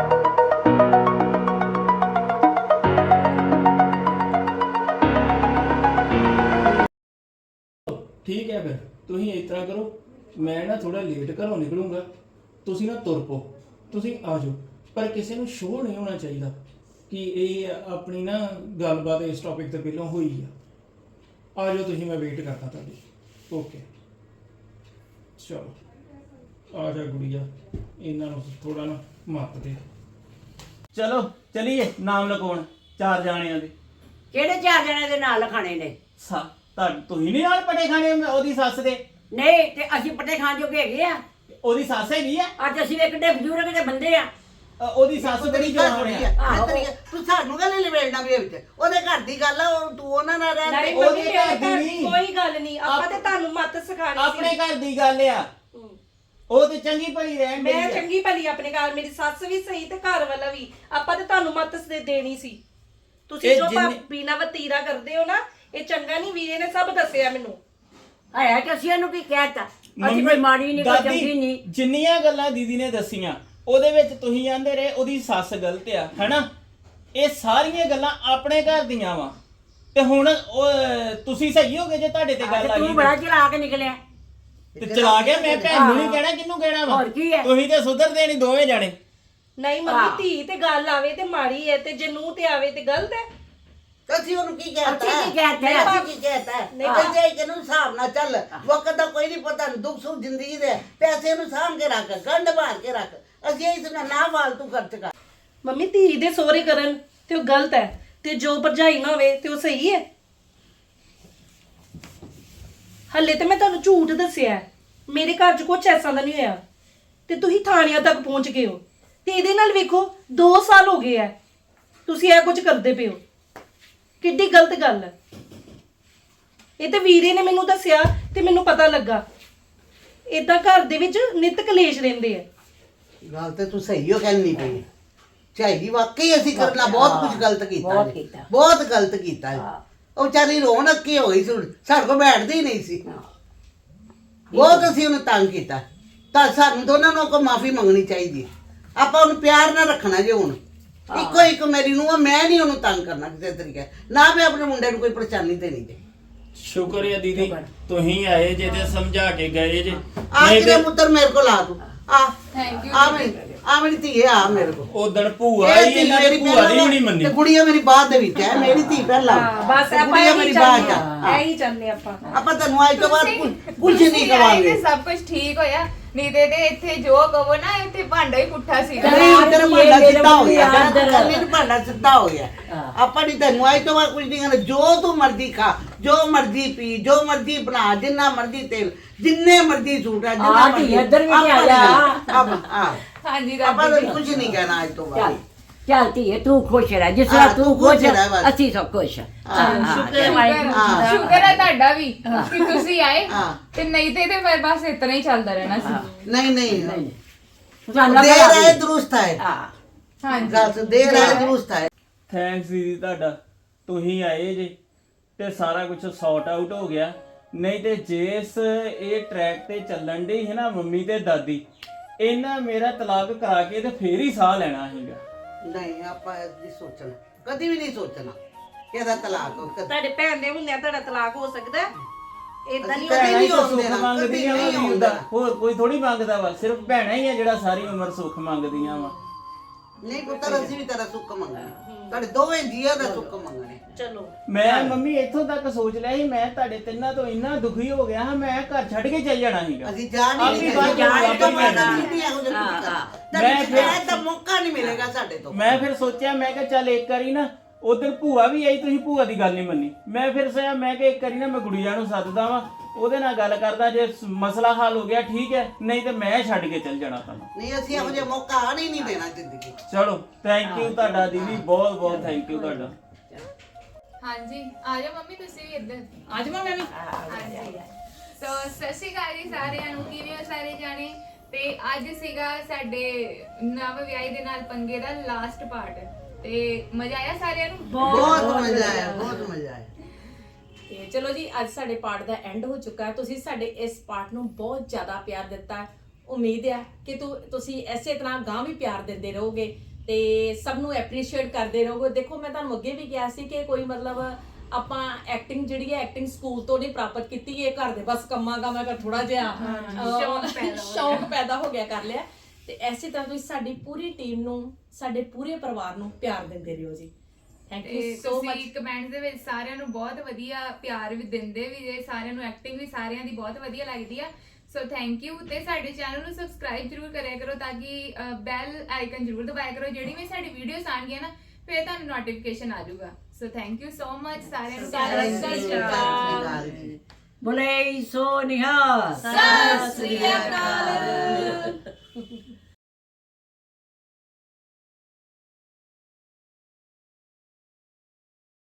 Speaker 6: ਠੀਕ ਹੈ ਫਿਰ ਤੁਸੀਂ ਇਸ ਤਰ੍ਹਾਂ ਕਰੋ, ਮੈਂ ਨਾ ਥੋੜਾ ਲੇਟ ਘਰੋਂ ਨਿਕਲੂੰਗਾ, ਤੁਸੀਂ ਨਾ ਤੁਰ ਪਓ, ਤੁਸੀਂ ਆ ਜਾਓ। ਪਰ ਕਿਸੇ ਨੂੰ ਸ਼ੋਅ ਨਹੀਂ ਹੋਣਾ ਚਾਹੀਦਾ ਕਿ ਇਹ ਆਪਣੀ ਨਾ ਗੱਲਬਾਤ ਇਸ ਟੌਪਿਕ ਤੇ ਪਹਿਲਾਂ ਹੋਈ ਆ। ਆ ਜਾਓ ਤੁਸੀਂ, ਮੈਂ ਵੇਟ ਕਰਦਾ ਤੁਹਾਡੀ। ਓਕੇ ਚਲੋ ਆ ਜਾ ਗੁੜੀਆ, ਇਹਨਾਂ ਨੂੰ ਥੋੜਾ ਨਾ ਮੱਤ ਦੇ।
Speaker 1: ਚਲੋ ਚਲੀਏ ਨਾਮ ਲਿਖਾਉਣ ਚਾਰ ਜਾਣਿਆਂ ਦੇ।
Speaker 4: ਕਿਹੜੇ ਚਾਰ ਜਣੇ ਦੇ ਨਾਲ ਖਾਣੇ ਨੇ?
Speaker 1: ਸਾ ਤਾਂ ਤੁਸੀਂ ਨਹੀਂ ਨਾਲ ਪਟੇ ਖਾਣੇ ਉਹਦੀ ਸੱਸ ਦੇ?
Speaker 4: ਨਹੀਂ ਤੇ ਅਸੀਂ ਪੱਟੇ ਖਾਣ ਜੋਗੇ ਹੈਗੇ ਆ।
Speaker 1: ਉਹਦੀ ਸੱਸ ਹੈਗੀ ਆ।
Speaker 4: ਅੱਜ ਅਸੀਂ ਇੱਕ ਡੇ ਬਜ਼ੁਰਗ ਦੇ ਬੰਦੇ ਆ।
Speaker 1: ਅ, ਉਹਦੀ ਸੱਸ ਬੜੀ ਜਵਾਨ ਆ।
Speaker 3: ਆਹੋ। ਤੂੰ ਸਾਨੂੰ ਗੱਲ ਲਿਵੇੜਨਾ ਵੀ ਵਿੱਚ, ਉਹਦੇ ਘਰ ਦੀ ਗੱਲ ਆ, ਉਹ ਤੂੰ ਉਹਨਾਂ ਨਾਲ ਰਹਿ।
Speaker 5: ਨਹੀਂ
Speaker 1: ਉਹਦੇ
Speaker 5: ਮੰਮੀ,
Speaker 1: ਘਰ
Speaker 5: ਮੇਰੇ
Speaker 1: ਦੀ
Speaker 5: ਘਰ
Speaker 1: ਨਹੀਂ।
Speaker 5: ਦੀ ਕੋਈ ਗੱਲ ਨਹੀਂ, ਆਪਾਂ
Speaker 1: ਆਪ-
Speaker 5: ਤੇ ਤੁਹਾਨੂੰ ਮੱਤ ਸਿਖਾਣੀ
Speaker 1: ਆਪਣੇ
Speaker 5: ਸੀ।
Speaker 1: ਘਰ ਦੀ ਗੱਲ ਆ। ਉਹ ਤੇ ਚੰਗੀ ਭਲੀ ਰਹਿਣ ਡਈ
Speaker 5: ਮੈਂ
Speaker 1: ਆ।
Speaker 5: ਚੰਗੀ ਭਲੀ ਆਪਣੇ ਘਰ, ਮੇਰੀ ਸੱਸ ਵੀ ਸਹੀ ਤੇ ਘਰ ਵਾਲਾ ਵੀ, ਆਪਾਂ ਤੇ ਤੁਹਾਨੂੰ ਮੱਤ ਦੇ ਦੇਣੀ ਸੀ। ਤੁਸੀਂ
Speaker 1: ਇਹ
Speaker 5: ਜੋ
Speaker 1: ਜਿੰਨੇ-
Speaker 5: ਭਾਬੀ ਨਾਲ ਵਤੀਰਾ ਕਰਦੇ ਹੋ ਨਾ, ਇਹ ਚੰਗਾ ਨਹੀਂ। ਵੀਰੇ ਨੇ ਸਭ ਦੱਸਿਆ ਮੈਨੂੰ।
Speaker 4: ਆਇਆ ਕਿ ਅਸੀਂ ਇਹਨੂੰ ਕੀ ਕਹਿਤਾ? ਅਸੀਂ ਕੋਈ ਮਾੜੀ ਨਹੀਂ, ਕੋਈ
Speaker 1: ਦਾਦੀ,
Speaker 4: ਚੰਗੀ ਨਹੀਂ।
Speaker 1: ਜਿੰਨੀਆਂ ਗੱਲਾਂ ਦੀਦੀ ਨੇ ਦੱਸੀਆਂ ਉਹਦੇ ਵਿੱਚ ਤੁਸੀਂ ਆਂਦੇ ਰਹੇ ਉਹਦੀ ਸੱਸ ਗਲਤ ਆ, ਹੈਨਾ? ਇਹ ਸਾਰੀਆਂ ਗੱਲਾਂ ਆਪਣੇ ਘਰ ਦੀਆਂ ਵਾ ਤੇ ਹੁਣ ਉਹ ਤੁਸੀਂ ਸਹੀ ਹੋਗੇ ਜੇ ਤੁਹਾਡੇ ਤੇ ਗੱਲ ਆ
Speaker 4: ਤੂੰ
Speaker 1: ਗਈ
Speaker 4: ਬੜਾ ਚਲਾ ਕੇ ਨਿਕਲਿਆ।
Speaker 1: ਤੇ ਚਲਾ ਗਿਆ। ਮੈਂ ਭੈਣ ਨੂੰ ਨਹੀਂ ਕਹਿਣਾ, ਕਿਹਨੂੰ ਕਹਿਣਾ ਵਾ?
Speaker 4: ਹੋਰ ਕੀ ਹੈ?
Speaker 1: ਤੁਸੀਂ ਤੇ ਸੁਧਰਦੇ ਨਹੀਂ ਦੋਵੇਂ ਜਾਣੇ।
Speaker 5: ਨਹੀਂ ਮੰਮੀ, ਧੀ ਤੇ ਗੱਲ ਆਵੇ ਤੇ ਮਾੜੀ ਹੈ, ਤੇ ਜੇ ਨੂੰਹ ਤੇ ਆਵੇ ਤੇ ਗਲਤ ਹੈ।
Speaker 3: ਅਸੀਂ ਉਹਨੂੰ ਕੀ ਕਹਿਤਾ?
Speaker 4: ਅਸੀਂ ਕੀ ਕਹਿਤਾ?
Speaker 3: ਨਹੀਂ, ਅਸੀਂ ਕੀ ਕਹਿਤਾ?
Speaker 5: ਨਹੀਂ,
Speaker 3: ਨਹੀਂ ਜੇ ਕਿ ਨੂੰ ਹਿਸਾਬ ਨਾਲ ਚੱਲ, ਵਕਤ ਦਾ ਕੋਈ ਨਹੀਂ ਪਤਾ, ਦੁੱਖ ਸੁੱਖ ਜ਼ਿੰਦਗੀ ਦੇ, ਪੈਸੇ ਨੂੰ ਸਾਂਭ ਕੇ ਰੱਖ, ਗੰਢ ਮਾਰ ਕੇ ਰੱਖ। ਅਸੀਂ ਇਸ ਨਾਲ ਨਾ ਫਾਲਤੂ ਖਰਚ ਕਰ।
Speaker 5: ਮੰਮੀ, ਧੀ ਦੇ ਸੋਹਰੇ ਕਰਨ ਤੇ ਉਹ ਗਲਤ ਹੈ, ਤੇ ਜੋ ਭਰਜਾਈ ਨਾ ਹੋਵੇ ਤੇ ਉਹ ਸਹੀ ਹੈ। ਹੱਲੇ ਤੇ ਮੈਂ ਤੁਹਾਨੂੰ ਝੂਠ ਦੱਸਿਆ ਹੈ। ਮੇਰੇ ਘਰ 'ਚ ਕੁਝ ਐਸਾ ਦਾ ਨਹੀਂ ਹੋਇਆ, ਤੇ ਤੁਸੀਂ ਥਾਣਿਆਂ ਤੱਕ ਪਹੁੰਚ ਗਏ ਹੋ। ਤੇ ਇਹਦੇ ਨਾਲ ਵੇਖੋ ਦੋ ਸਾਲ ਹੋ ਗਏ ਐ, ਤੁਸੀਂ ਇਹ ਕੁਝ ਕਰਦੇ ਪਏ ਹੋ। ਕਿੱਡੀ ਗਲਤ ਗੱਲ ਹੈ ਇਹ। ਤੇ ਵੀਰੇ ਨੇ ਮੈਨੂੰ ਦੱਸਿਆ ਤੇ ਮੈਨੂੰ ਪਤਾ ਲੱਗਾ। ਏਦਾਂ ਘਰ ਦੇ ਵਿੱਚ ਨਿਤ ਕਲੇਸ਼ ਰਹਿੰਦੇ ਆ।
Speaker 3: ਗੱਲ ਤੇ ਤੂੰ ਸਹੀ ਹੋ ਕਹਿੰਦੀ ਪਈ। ਚਾਹੀਦੀ ਵਾਕਈ ਅਸੀਂ ਕਰਨਾ ਬਹੁਤ ਕੁਝ ਗਲਤ ਕੀਤਾ
Speaker 4: ਬਹੁਤ
Speaker 3: ਜੀ।
Speaker 4: ਕੀਤਾ।
Speaker 3: ਬਹੁਤ ਗਲਤ ਕੀਤਾ ਜੀ। ਉਹ ਵਿਚਾਰੀ ਰੋਣ ਅੱਕੀ ਹੋ ਗਈ ਸੀ, ਸਾਡੇ ਕੋਲ ਬੈਠਦੀ ਹੀ ਨਹੀਂ ਸੀ। ਬਹੁਤ ਅਸੀਂ ਉਹਨੂੰ ਤੰਗ ਕੀਤਾ। ਤਾਂ ਸਾਨੂੰ ਦੋਨਾਂ ਨੂੰ ਕੋਈ ਮਾਫੀ ਮੰਗਣੀ ਚਾਹੀਦੀ। ਆਪਾਂ ਉਹਨੂੰ ਪਿਆਰ ਨਾਲ ਰੱਖਣਾ ਜੇ ਹੁਣ। ਇੱਕੋ ਇੱਕ ਮੇਰੀ ਨੂੰ ਮੈਂ ਨਹੀਂ ਉਹਨੂੰ ਤੰਗ ਕਰਨਾ ਕਿਸੇ ਤਰੀਕੇ ਨਾ। ਮੈਂ ਆਪਣੇ ਮੁੰਡੇ ਨੂੰ ਕੋਈ ਪਰੇਸ਼ਾਨੀ ਦੇਣੀ ਜੇ।
Speaker 1: ਸ਼ੁਕਰ ਹੈ ਦੀਦੀ ਤੁਸੀਂ ਆਏ ਜੇ ਤੇ ਸਮਝਾ ਕੇ ਗਏ ਜੇ।
Speaker 3: ਆ
Speaker 1: ਨਹੀਂ
Speaker 3: ਕਿਹਦਾ
Speaker 1: ਤੇ
Speaker 3: ਪੁੱਤਰ ਮੇਰੇ ਕੋਲ ਆ ਤੂੰ ਆ
Speaker 2: ਥੈਂਕ ਯੂ।
Speaker 3: ਆ ਮੇਰੀ ਆ ਮੇਰੀ ਧੀ ਆ ਮੇਰੇ ਕੋਲ।
Speaker 1: ਉਦਣ ਭੂਆ
Speaker 3: ਇਹ
Speaker 1: ਹੀ
Speaker 3: ਧੀ
Speaker 1: ਇਹਨਾਂ
Speaker 3: ਮੇਰੀ
Speaker 1: ਦੀ ਭੂਆ ਦੀ
Speaker 3: ਪਹਿਲਾਂ
Speaker 1: ਵੀ ਨਹੀਂ ਮੰਨੀ।
Speaker 3: ਤੇ ਗੁੜੀਆ ਮੇਰੀ ਬਾਅਦ ਦੇ ਵਿੱਚ ਹੈ। ਮੇਰੀ ਧੀ ਪਹਿਲਾਂ।
Speaker 5: ਹਾਂ, ਬਸ
Speaker 3: ਤੇ
Speaker 5: ਆਪਾਂ
Speaker 3: ਗੁੜੀਆ
Speaker 5: ਇਹੀ
Speaker 3: ਮੇਰੀ ਬਾਅਦ ਚ
Speaker 5: ਚਾਹੁੰਦੇ
Speaker 3: ਆ।
Speaker 5: ਆ, ਇਹੀ ਚਾਹੁੰਦੇ ਆਪਾਂ।
Speaker 3: ਆਪਾਂ ਤੈਨੂੰ ਅੱਜ ਤੋਂ ਬਾਅਦ ਕੁਝ ਕੁਝ
Speaker 2: ਤੁਸੀਂ
Speaker 3: ਨਹੀਂ
Speaker 2: ਆਏ
Speaker 3: ਕਵਾਂਗੇ।
Speaker 2: ਤੇ ਸਭ ਕੁਝ ਠੀਕ ਹੋਇਆ। ਨਹੀਂ ਤੇ ਤੇ ਇੱਥੇ ਜੋ ਕਹੋ ਨਾ, ਇੱਥੇ ਭਾਂਡਾ ਹੀ ਪੁੱਠਾ ਸੀਗਾ।
Speaker 3: ਨਹੀਂ ਤੇਰਾ ਭਾਂਡਾ ਸਿੱਧਾ ਹੋ ਗਿਆ।
Speaker 4: ਯਾਰ,
Speaker 3: ਮੇਰਾ ਭਾਂਡਾ ਸਿੱਧਾ ਹੋ ਗਿਆ। ਆਪਾਂ ਨਹੀਂ ਤੈਨੂੰ ਅੱਜ ਤੋਂ ਬਾਅਦ ਕੁਝ ਨਹੀਂ ਕਰਨਾ। ਜੋ ਤੂੰ ਮਰਜ਼ੀ ਖਾ, ਜੋ ਮਰਜ਼ੀ ਪੀ, ਜੋ ਮਰਜ਼ੀ ਬਣਾ, ਜਿੰਨਾ ਮਰਜ਼ੀ ਤੇਲ, ਜਿੰਨੇ ਮਰਜ਼ੀ ਸੂਟ ਆ, ਜਿੰਨਾ
Speaker 4: ਆ ਧੀ
Speaker 3: ਮਰਜ਼ੀ
Speaker 4: ਇੱਧਰ ਵੀ ਨਹੀਂ
Speaker 3: ਆਪਾਂ
Speaker 4: ਆਇਆ।
Speaker 3: ਆਪਾਂ ਹਾਂ
Speaker 2: ਹਾਂਜੀ
Speaker 3: ਆਪਾਂ
Speaker 2: ਦਾਦੀ
Speaker 3: ਤੈਨੂੰ
Speaker 2: ਜੀ।
Speaker 3: ਕੁਝ ਨਹੀਂ ਕਹਿਣਾ ਅੱਜ ਤੋਂ
Speaker 4: ਚੱਲ
Speaker 3: ਬਾਅਦ।
Speaker 4: ਚੱਲ ਧੀਏ, ਤੂੰ ਖੁਸ਼ ਰਹਿ। ਜਿਸ
Speaker 3: ਹਾਂ,
Speaker 4: ਤਰ੍ਹਾਂ
Speaker 3: ਤੂੰ
Speaker 4: ਤੂੰ
Speaker 3: ਖੁਸ਼
Speaker 4: ਖੁਸ਼
Speaker 3: ਰਹਿ ਬਸ।
Speaker 4: ਅਸੀਂ ਸਭ ਖੁਸ਼ ਹਾਂ।
Speaker 3: ਹਾਂ,
Speaker 4: ਸ਼ੁਕਰ ਹੈ
Speaker 2: ਸ਼ੁਕਰ
Speaker 4: ਵਾਹਿਗੁਰੂ ਜੀ ਦਾ।
Speaker 2: ਸ਼ੁਕਰ ਹੈ ਤੁਹਾਡਾ ਵੀ ਕਿ ਤੁਸੀਂ ਆਏ।
Speaker 3: ਹਾਂ।
Speaker 2: ਤੇ ਨਹੀਂ ਤੇ ਤੇ ਫਿਰ ਬਸ ਇਤਨਾ ਹੀ ਚੱਲਦਾ ਰਹਿਣਾ ਸੀ।
Speaker 3: ਨਹੀਂ ਨਹੀਂ
Speaker 4: ਸਾਨੂੰ
Speaker 3: ਦੇਰ
Speaker 4: ਬੜਾ
Speaker 3: ਆਏ ਦਰੁਸਤ ਹੈ।
Speaker 4: ਹਾਂ।
Speaker 2: ਹਾਂਜੀ
Speaker 3: ਗੱਲ ਸੁਣ, ਦੇਰ ਆਏ ਦਰੁਸਤ ਹੈ।
Speaker 1: ਥੈਂਕਸ ਦੀਦੀ ਤੁਹਾਡਾ, ਤੁਸੀਂ ਆਏ ਜੇ ਤੇ ਸਾਰਾ ਕੁਝ ਸੌਟ ਆਊਟ ਹੋ ਗਿਆ। ਨਹੀਂ ਤੇ ਜਿਸ ਇਹ ਟਰੈਕ ਤੇ ਚੱਲਣ ਦੀ ਹੈ ਨਾ ਮੰਮੀ ਤੇ ਦਾਦੀ, ਇਹਨਾਂ ਮੇਰਾ ਤਲਾਕ ਕਰਾ ਕੇ ਤੇ ਫੇਰ ਹੀ ਸਾਹ ਲੈਣਾ ਸੀਗਾ।
Speaker 3: ਨਹੀਂ ਆਪਾਂ ਨਹੀਂ ਸੋਚਣਾ, ਕਦੀ ਵੀ ਨਹੀਂ ਸੋਚਣਾ ਕਿ ਇਹਦਾ ਤਲਾਕ ਹੋ। ਕਦੀ
Speaker 5: ਤੁਹਾਡੇ ਭੈਣ ਦੇ ਹੁੰਦਿਆਂ ਤੁਹਾਡਾ ਤਲਾਕ ਹੋ ਸਕਦਾ ਹੈ? ਏਦਾਂ ਨਹੀਂ
Speaker 3: ਕਦੀ
Speaker 1: ਭੈਣਾਂ ਹੀ
Speaker 3: ਨਹੀਂ
Speaker 1: ਤਾਂ
Speaker 3: ਹੋਣ
Speaker 1: ਸੁੱਖ
Speaker 3: ਦੇਣਾ,
Speaker 1: ਮੰਗਦੀਆਂ
Speaker 3: ਕਦੀ
Speaker 1: ਵਾ
Speaker 3: ਨਹੀਂ
Speaker 1: ਵੀਰ ਦਾ,
Speaker 3: ਹੋਣ
Speaker 1: ਹੋਰ ਕੋਈ ਥੋੜੀ ਮੰਗਦਾ ਵਾ। ਸਿਰਫ ਭੈਣਾਂ ਹੀ ਆ ਜਿਹੜਾ ਸਾਰੀ ਉਮਰ ਸੁੱਖ ਮੰਗਦੀਆਂ ਵਾ।
Speaker 3: ਨਹੀਂ ਪੁੱਤਰ ਅਸੀਂ ਵੀ ਤੇਰਾ ਸੁੱਖ ਮੰਗਣਾ ਤੁਹਾਡੇ ਦੋਵੇਂ ਜੀਆਂ ਦਾ ਸੁੱਖ ਮੰਗਣਾ
Speaker 5: ਚਲੋ
Speaker 1: ਮੈਂ ਮੰਮੀ ਇੱਥੋਂ ਤੱਕ ਸੋਚ ਲਿਆ ਸੀ ਮੈਂ ਤੁਹਾਡੇ ਤਿੰਨਾਂ ਤੋਂ ਇੰਨਾ ਦੁਖੀ ਹੋ ਗਿਆ ਹਾਂ ਮੈਂ ਘਰ ਛੱਡ ਕੇ ਚੱਲ ਜਾਣਾ ਸੀਗਾ
Speaker 3: ਅਸੀਂ ਜਾ ਨਹੀਂ
Speaker 1: ਆਪਣੀ
Speaker 3: ਰਹੇ
Speaker 1: ਬਾਤ
Speaker 3: ਜਾਣ ਤੋਂ
Speaker 1: ਵਾਪਸ
Speaker 3: ਬਾਅਦ
Speaker 1: ਲੈਣੀ।
Speaker 3: ਅਸੀਂ ਨਹੀਂ ਇਹੋ ਜਿਹਾ ਕੁਝ
Speaker 4: ਹਾਂ,
Speaker 3: ਕਰਨਾ
Speaker 1: ਮੈਂ
Speaker 3: ਮੈਂ
Speaker 1: ਫਿਰ-
Speaker 3: ਫਿਰ ਦਾ ਮੌਕਾ ਨਹੀਂ ਮਿਲੇਗਾ ਸਾਡੇ ਤੋਂ
Speaker 1: ਮੈਂ ਫਿਰ ਸੋਚਿਆ ਮੈਂ ਕਿਹਾ ਚੱਲ ਇੱਕ ਵਾਰੀ ਨਾ ਉਧਰ ਭੂਆ ਵੀ ਆਈ ਤੁਸੀਂ ਭੂਆ ਦੀ ਗੱਲ ਨਹੀਂ ਮੰਨੀ ਮੈਂ ਫਿਰ ਸੋਚਿਆ ਮੈਂ ਕਿ ਇੱਕ ਵਾਰੀ ਨਾ ਮੈਂ ਗੁੜੀਆ ਨੂੰ ਸੱਦਦਾ ਵਾਂ ਉਹਦੇ ਨਾਲ ਗੱਲ ਕਰਦਾ ਜੇ ਸ- ਮਸਲਾ ਹੱਲ ਹੋ ਗਿਆ ਠੀਕ ਹੈ ਨਹੀਂ ਤੇ ਮੈਂ ਛੱਡ ਕੇ ਚੱਲ ਜਾਣਾ ਤੁਹਾਨੂੰ
Speaker 3: ਨਹੀਂ ਅਸੀਂ ਇਹੋ ਜਿਹਾ ਮੌਕਾ ਆਣ ਹੀ ਨਹੀਂ ਦੇਣਾ ਜ਼ਿੰਦਗੀ 'ਚ।
Speaker 1: ਚਲੋ ਥੈਂਕ ਯੂ ਤੁਹਾਡਾ ਦੀਦੀ ਬਹੁਤ ਬਹੁਤ ਥੈਂਕ ਯੂ ਤੁਹਾਡਾ
Speaker 2: ਹਾਂਜੀ ਆ ਜਾਓ ਮੰਮੀ ਤੁਸੀਂ ਵੀ ਇੱਧਰ
Speaker 5: ਅੱਜ ਮੈਂ ਵੀ
Speaker 2: ਹਾਂਜੀ ਸੋ ਸਤਿ ਸ਼੍ਰੀ ਅਕਾਲ ਜੀ ਸਾਰਿਆਂ ਨੂੰ ਕਿਵੇਂ ਹੋ ਸਾਰੇ ਜਾਣੇ ਤੇ ਅੱਜ ਸੀਗਾ ਸਾਡੇ ਨਵ ਵਿਆਹੀ ਦੇ ਨਾਲ ਪੰਗੇ ਦਾ ਲਾਸਟ ਪਾਰਟ ਤੇ ਮਜ਼ਾ ਆਇਆ ਸਾਰਿਆਂ ਨੂੰ
Speaker 3: ਬਹੁਤ ਮਜ਼ਾ ਆਇਆ ਬਹੁਤ ਮਜ਼ਾ ਆਇਆ
Speaker 7: ਤੇ ਚਲੋ ਜੀ ਅੱਜ ਸਾਡੇ ਪਾਰਟ ਦਾ ਐਂਡ ਹੋ ਚੁੱਕਾ ਹੈ ਤੁਸੀਂ ਸਾਡੇ ਇਸ ਪਾਰਟ ਨੂੰ ਬਹੁਤ ਜ਼ਿਆਦਾ ਪਿਆਰ ਦਿੱਤਾ ਹੈ। ਉਮੀਦ ਹੈ ਕਿ ਤੁ ਤੁਸੀਂ ਐਸੇ ਤਰ੍ਹਾਂ ਗਾਂ ਵੀ ਪਿਆਰ ਦਿੰਦੇ ਰਹੋਗੇ ਤੇ ਸਭ ਨੂੰ ਐਪਰੀਸ਼ੀਏਟ ਕਰਦੇ ਰਹੋਗੇ। ਦੇਖੋ ਮੈਂ ਤੁਹਾਨੂੰ ਅੱਗੇ ਵੀ ਕਿਹਾ ਸੀ ਕਿ ਕੋਈ ਮਤਲਬ ਆਪਾਂ ਐਕਟਿੰਗ ਜਿਹੜੀ ਹੈ ਐਕਟਿੰਗ ਸਕੂਲ ਤੋਂ ਨਹੀਂ ਪ੍ਰਾਪਤ ਕੀਤੀ ਇਹ ਘਰ ਦੇ ਬਸ ਕੰਮਾਂ ਕਾਮਾਂ ਕਰ ਥੋੜਾ ਜਿਹਾ ਅਹ, ਸ਼ੌਕ ਪੈਦਾ ਹੋ ਗਿਆ ਕਰ ਲਿਆ ਤੇ ਐਸੇ ਤਰ੍ਹਾਂ ਤੁਸੀਂ ਸਾਡੀ ਪੂਰੀ ਟੀਮ ਨੂੰ ਸਾਡੇ ਪੂਰੇ ਪਰਿਵਾਰ ਨੂੰ ਪਿਆਰ ਦਿੰਦੇ ਰਹੋ ਜੀ। ਥੈਂਕ ਯੂ
Speaker 2: ਤੇ
Speaker 7: ਸੋ ਮਚ।
Speaker 2: ਤੁਸੀਂ ਕਮੈਂਟਸ ਦੇ ਵਿੱਚ ਸਾਰਿਆਂ ਨੂੰ ਬਹੁਤ ਵਧੀਆ ਪਿਆਰ ਵੀ ਦਿੰਦੇ ਵੀ ਜੇ ਸਾਰਿਆਂ ਨੂੰ ਐਕਟਿੰਗ ਵੀ ਸਾਰਿਆਂ ਦੀ ਬਹੁਤ ਵਧੀਆ ਲੱਗਦੀ ਆ ਸੋ ਥੈਂਕ ਯੂ ਤੇ ਸਾਡੇ ਚੈਨਲ ਨੂੰ ਸਬਸਕ੍ਰਾਈਬ ਜਰੂਰ ਕਰਿਆ ਕਰੋ ਤਾਂ ਕਿ ਬੈਲ ਆਈਕਨ ਜਰੂਰ ਦਬਾਇਆ ਕਰੋ ਜਿਹੜੀ ਵੀ ਸਾਡੀ ਵੀਡੀਓਸ ਆਣਗੀਆਂ ਨਾ ਫਿਰ ਤੁਹਾਨੂੰ ਨੋਟੀਫਿਕੇਸ਼ਨ ਆ ਜਾਊਗਾ so thank you so much ਸਾਰਿਆਂ ਨੂੰ ਪਿਆਰ
Speaker 7: ਸਤਿ ਸ਼੍ਰੀ
Speaker 3: ਸਤਿ ਸ਼੍ਰੀ ਅਕਾਲ ਜੀ
Speaker 4: ਬੋਲੇ ਸੋ ਨਿਹਾਲ
Speaker 7: ਸਤਿ ਸ੍ਰੀ ਅਕਾਲ।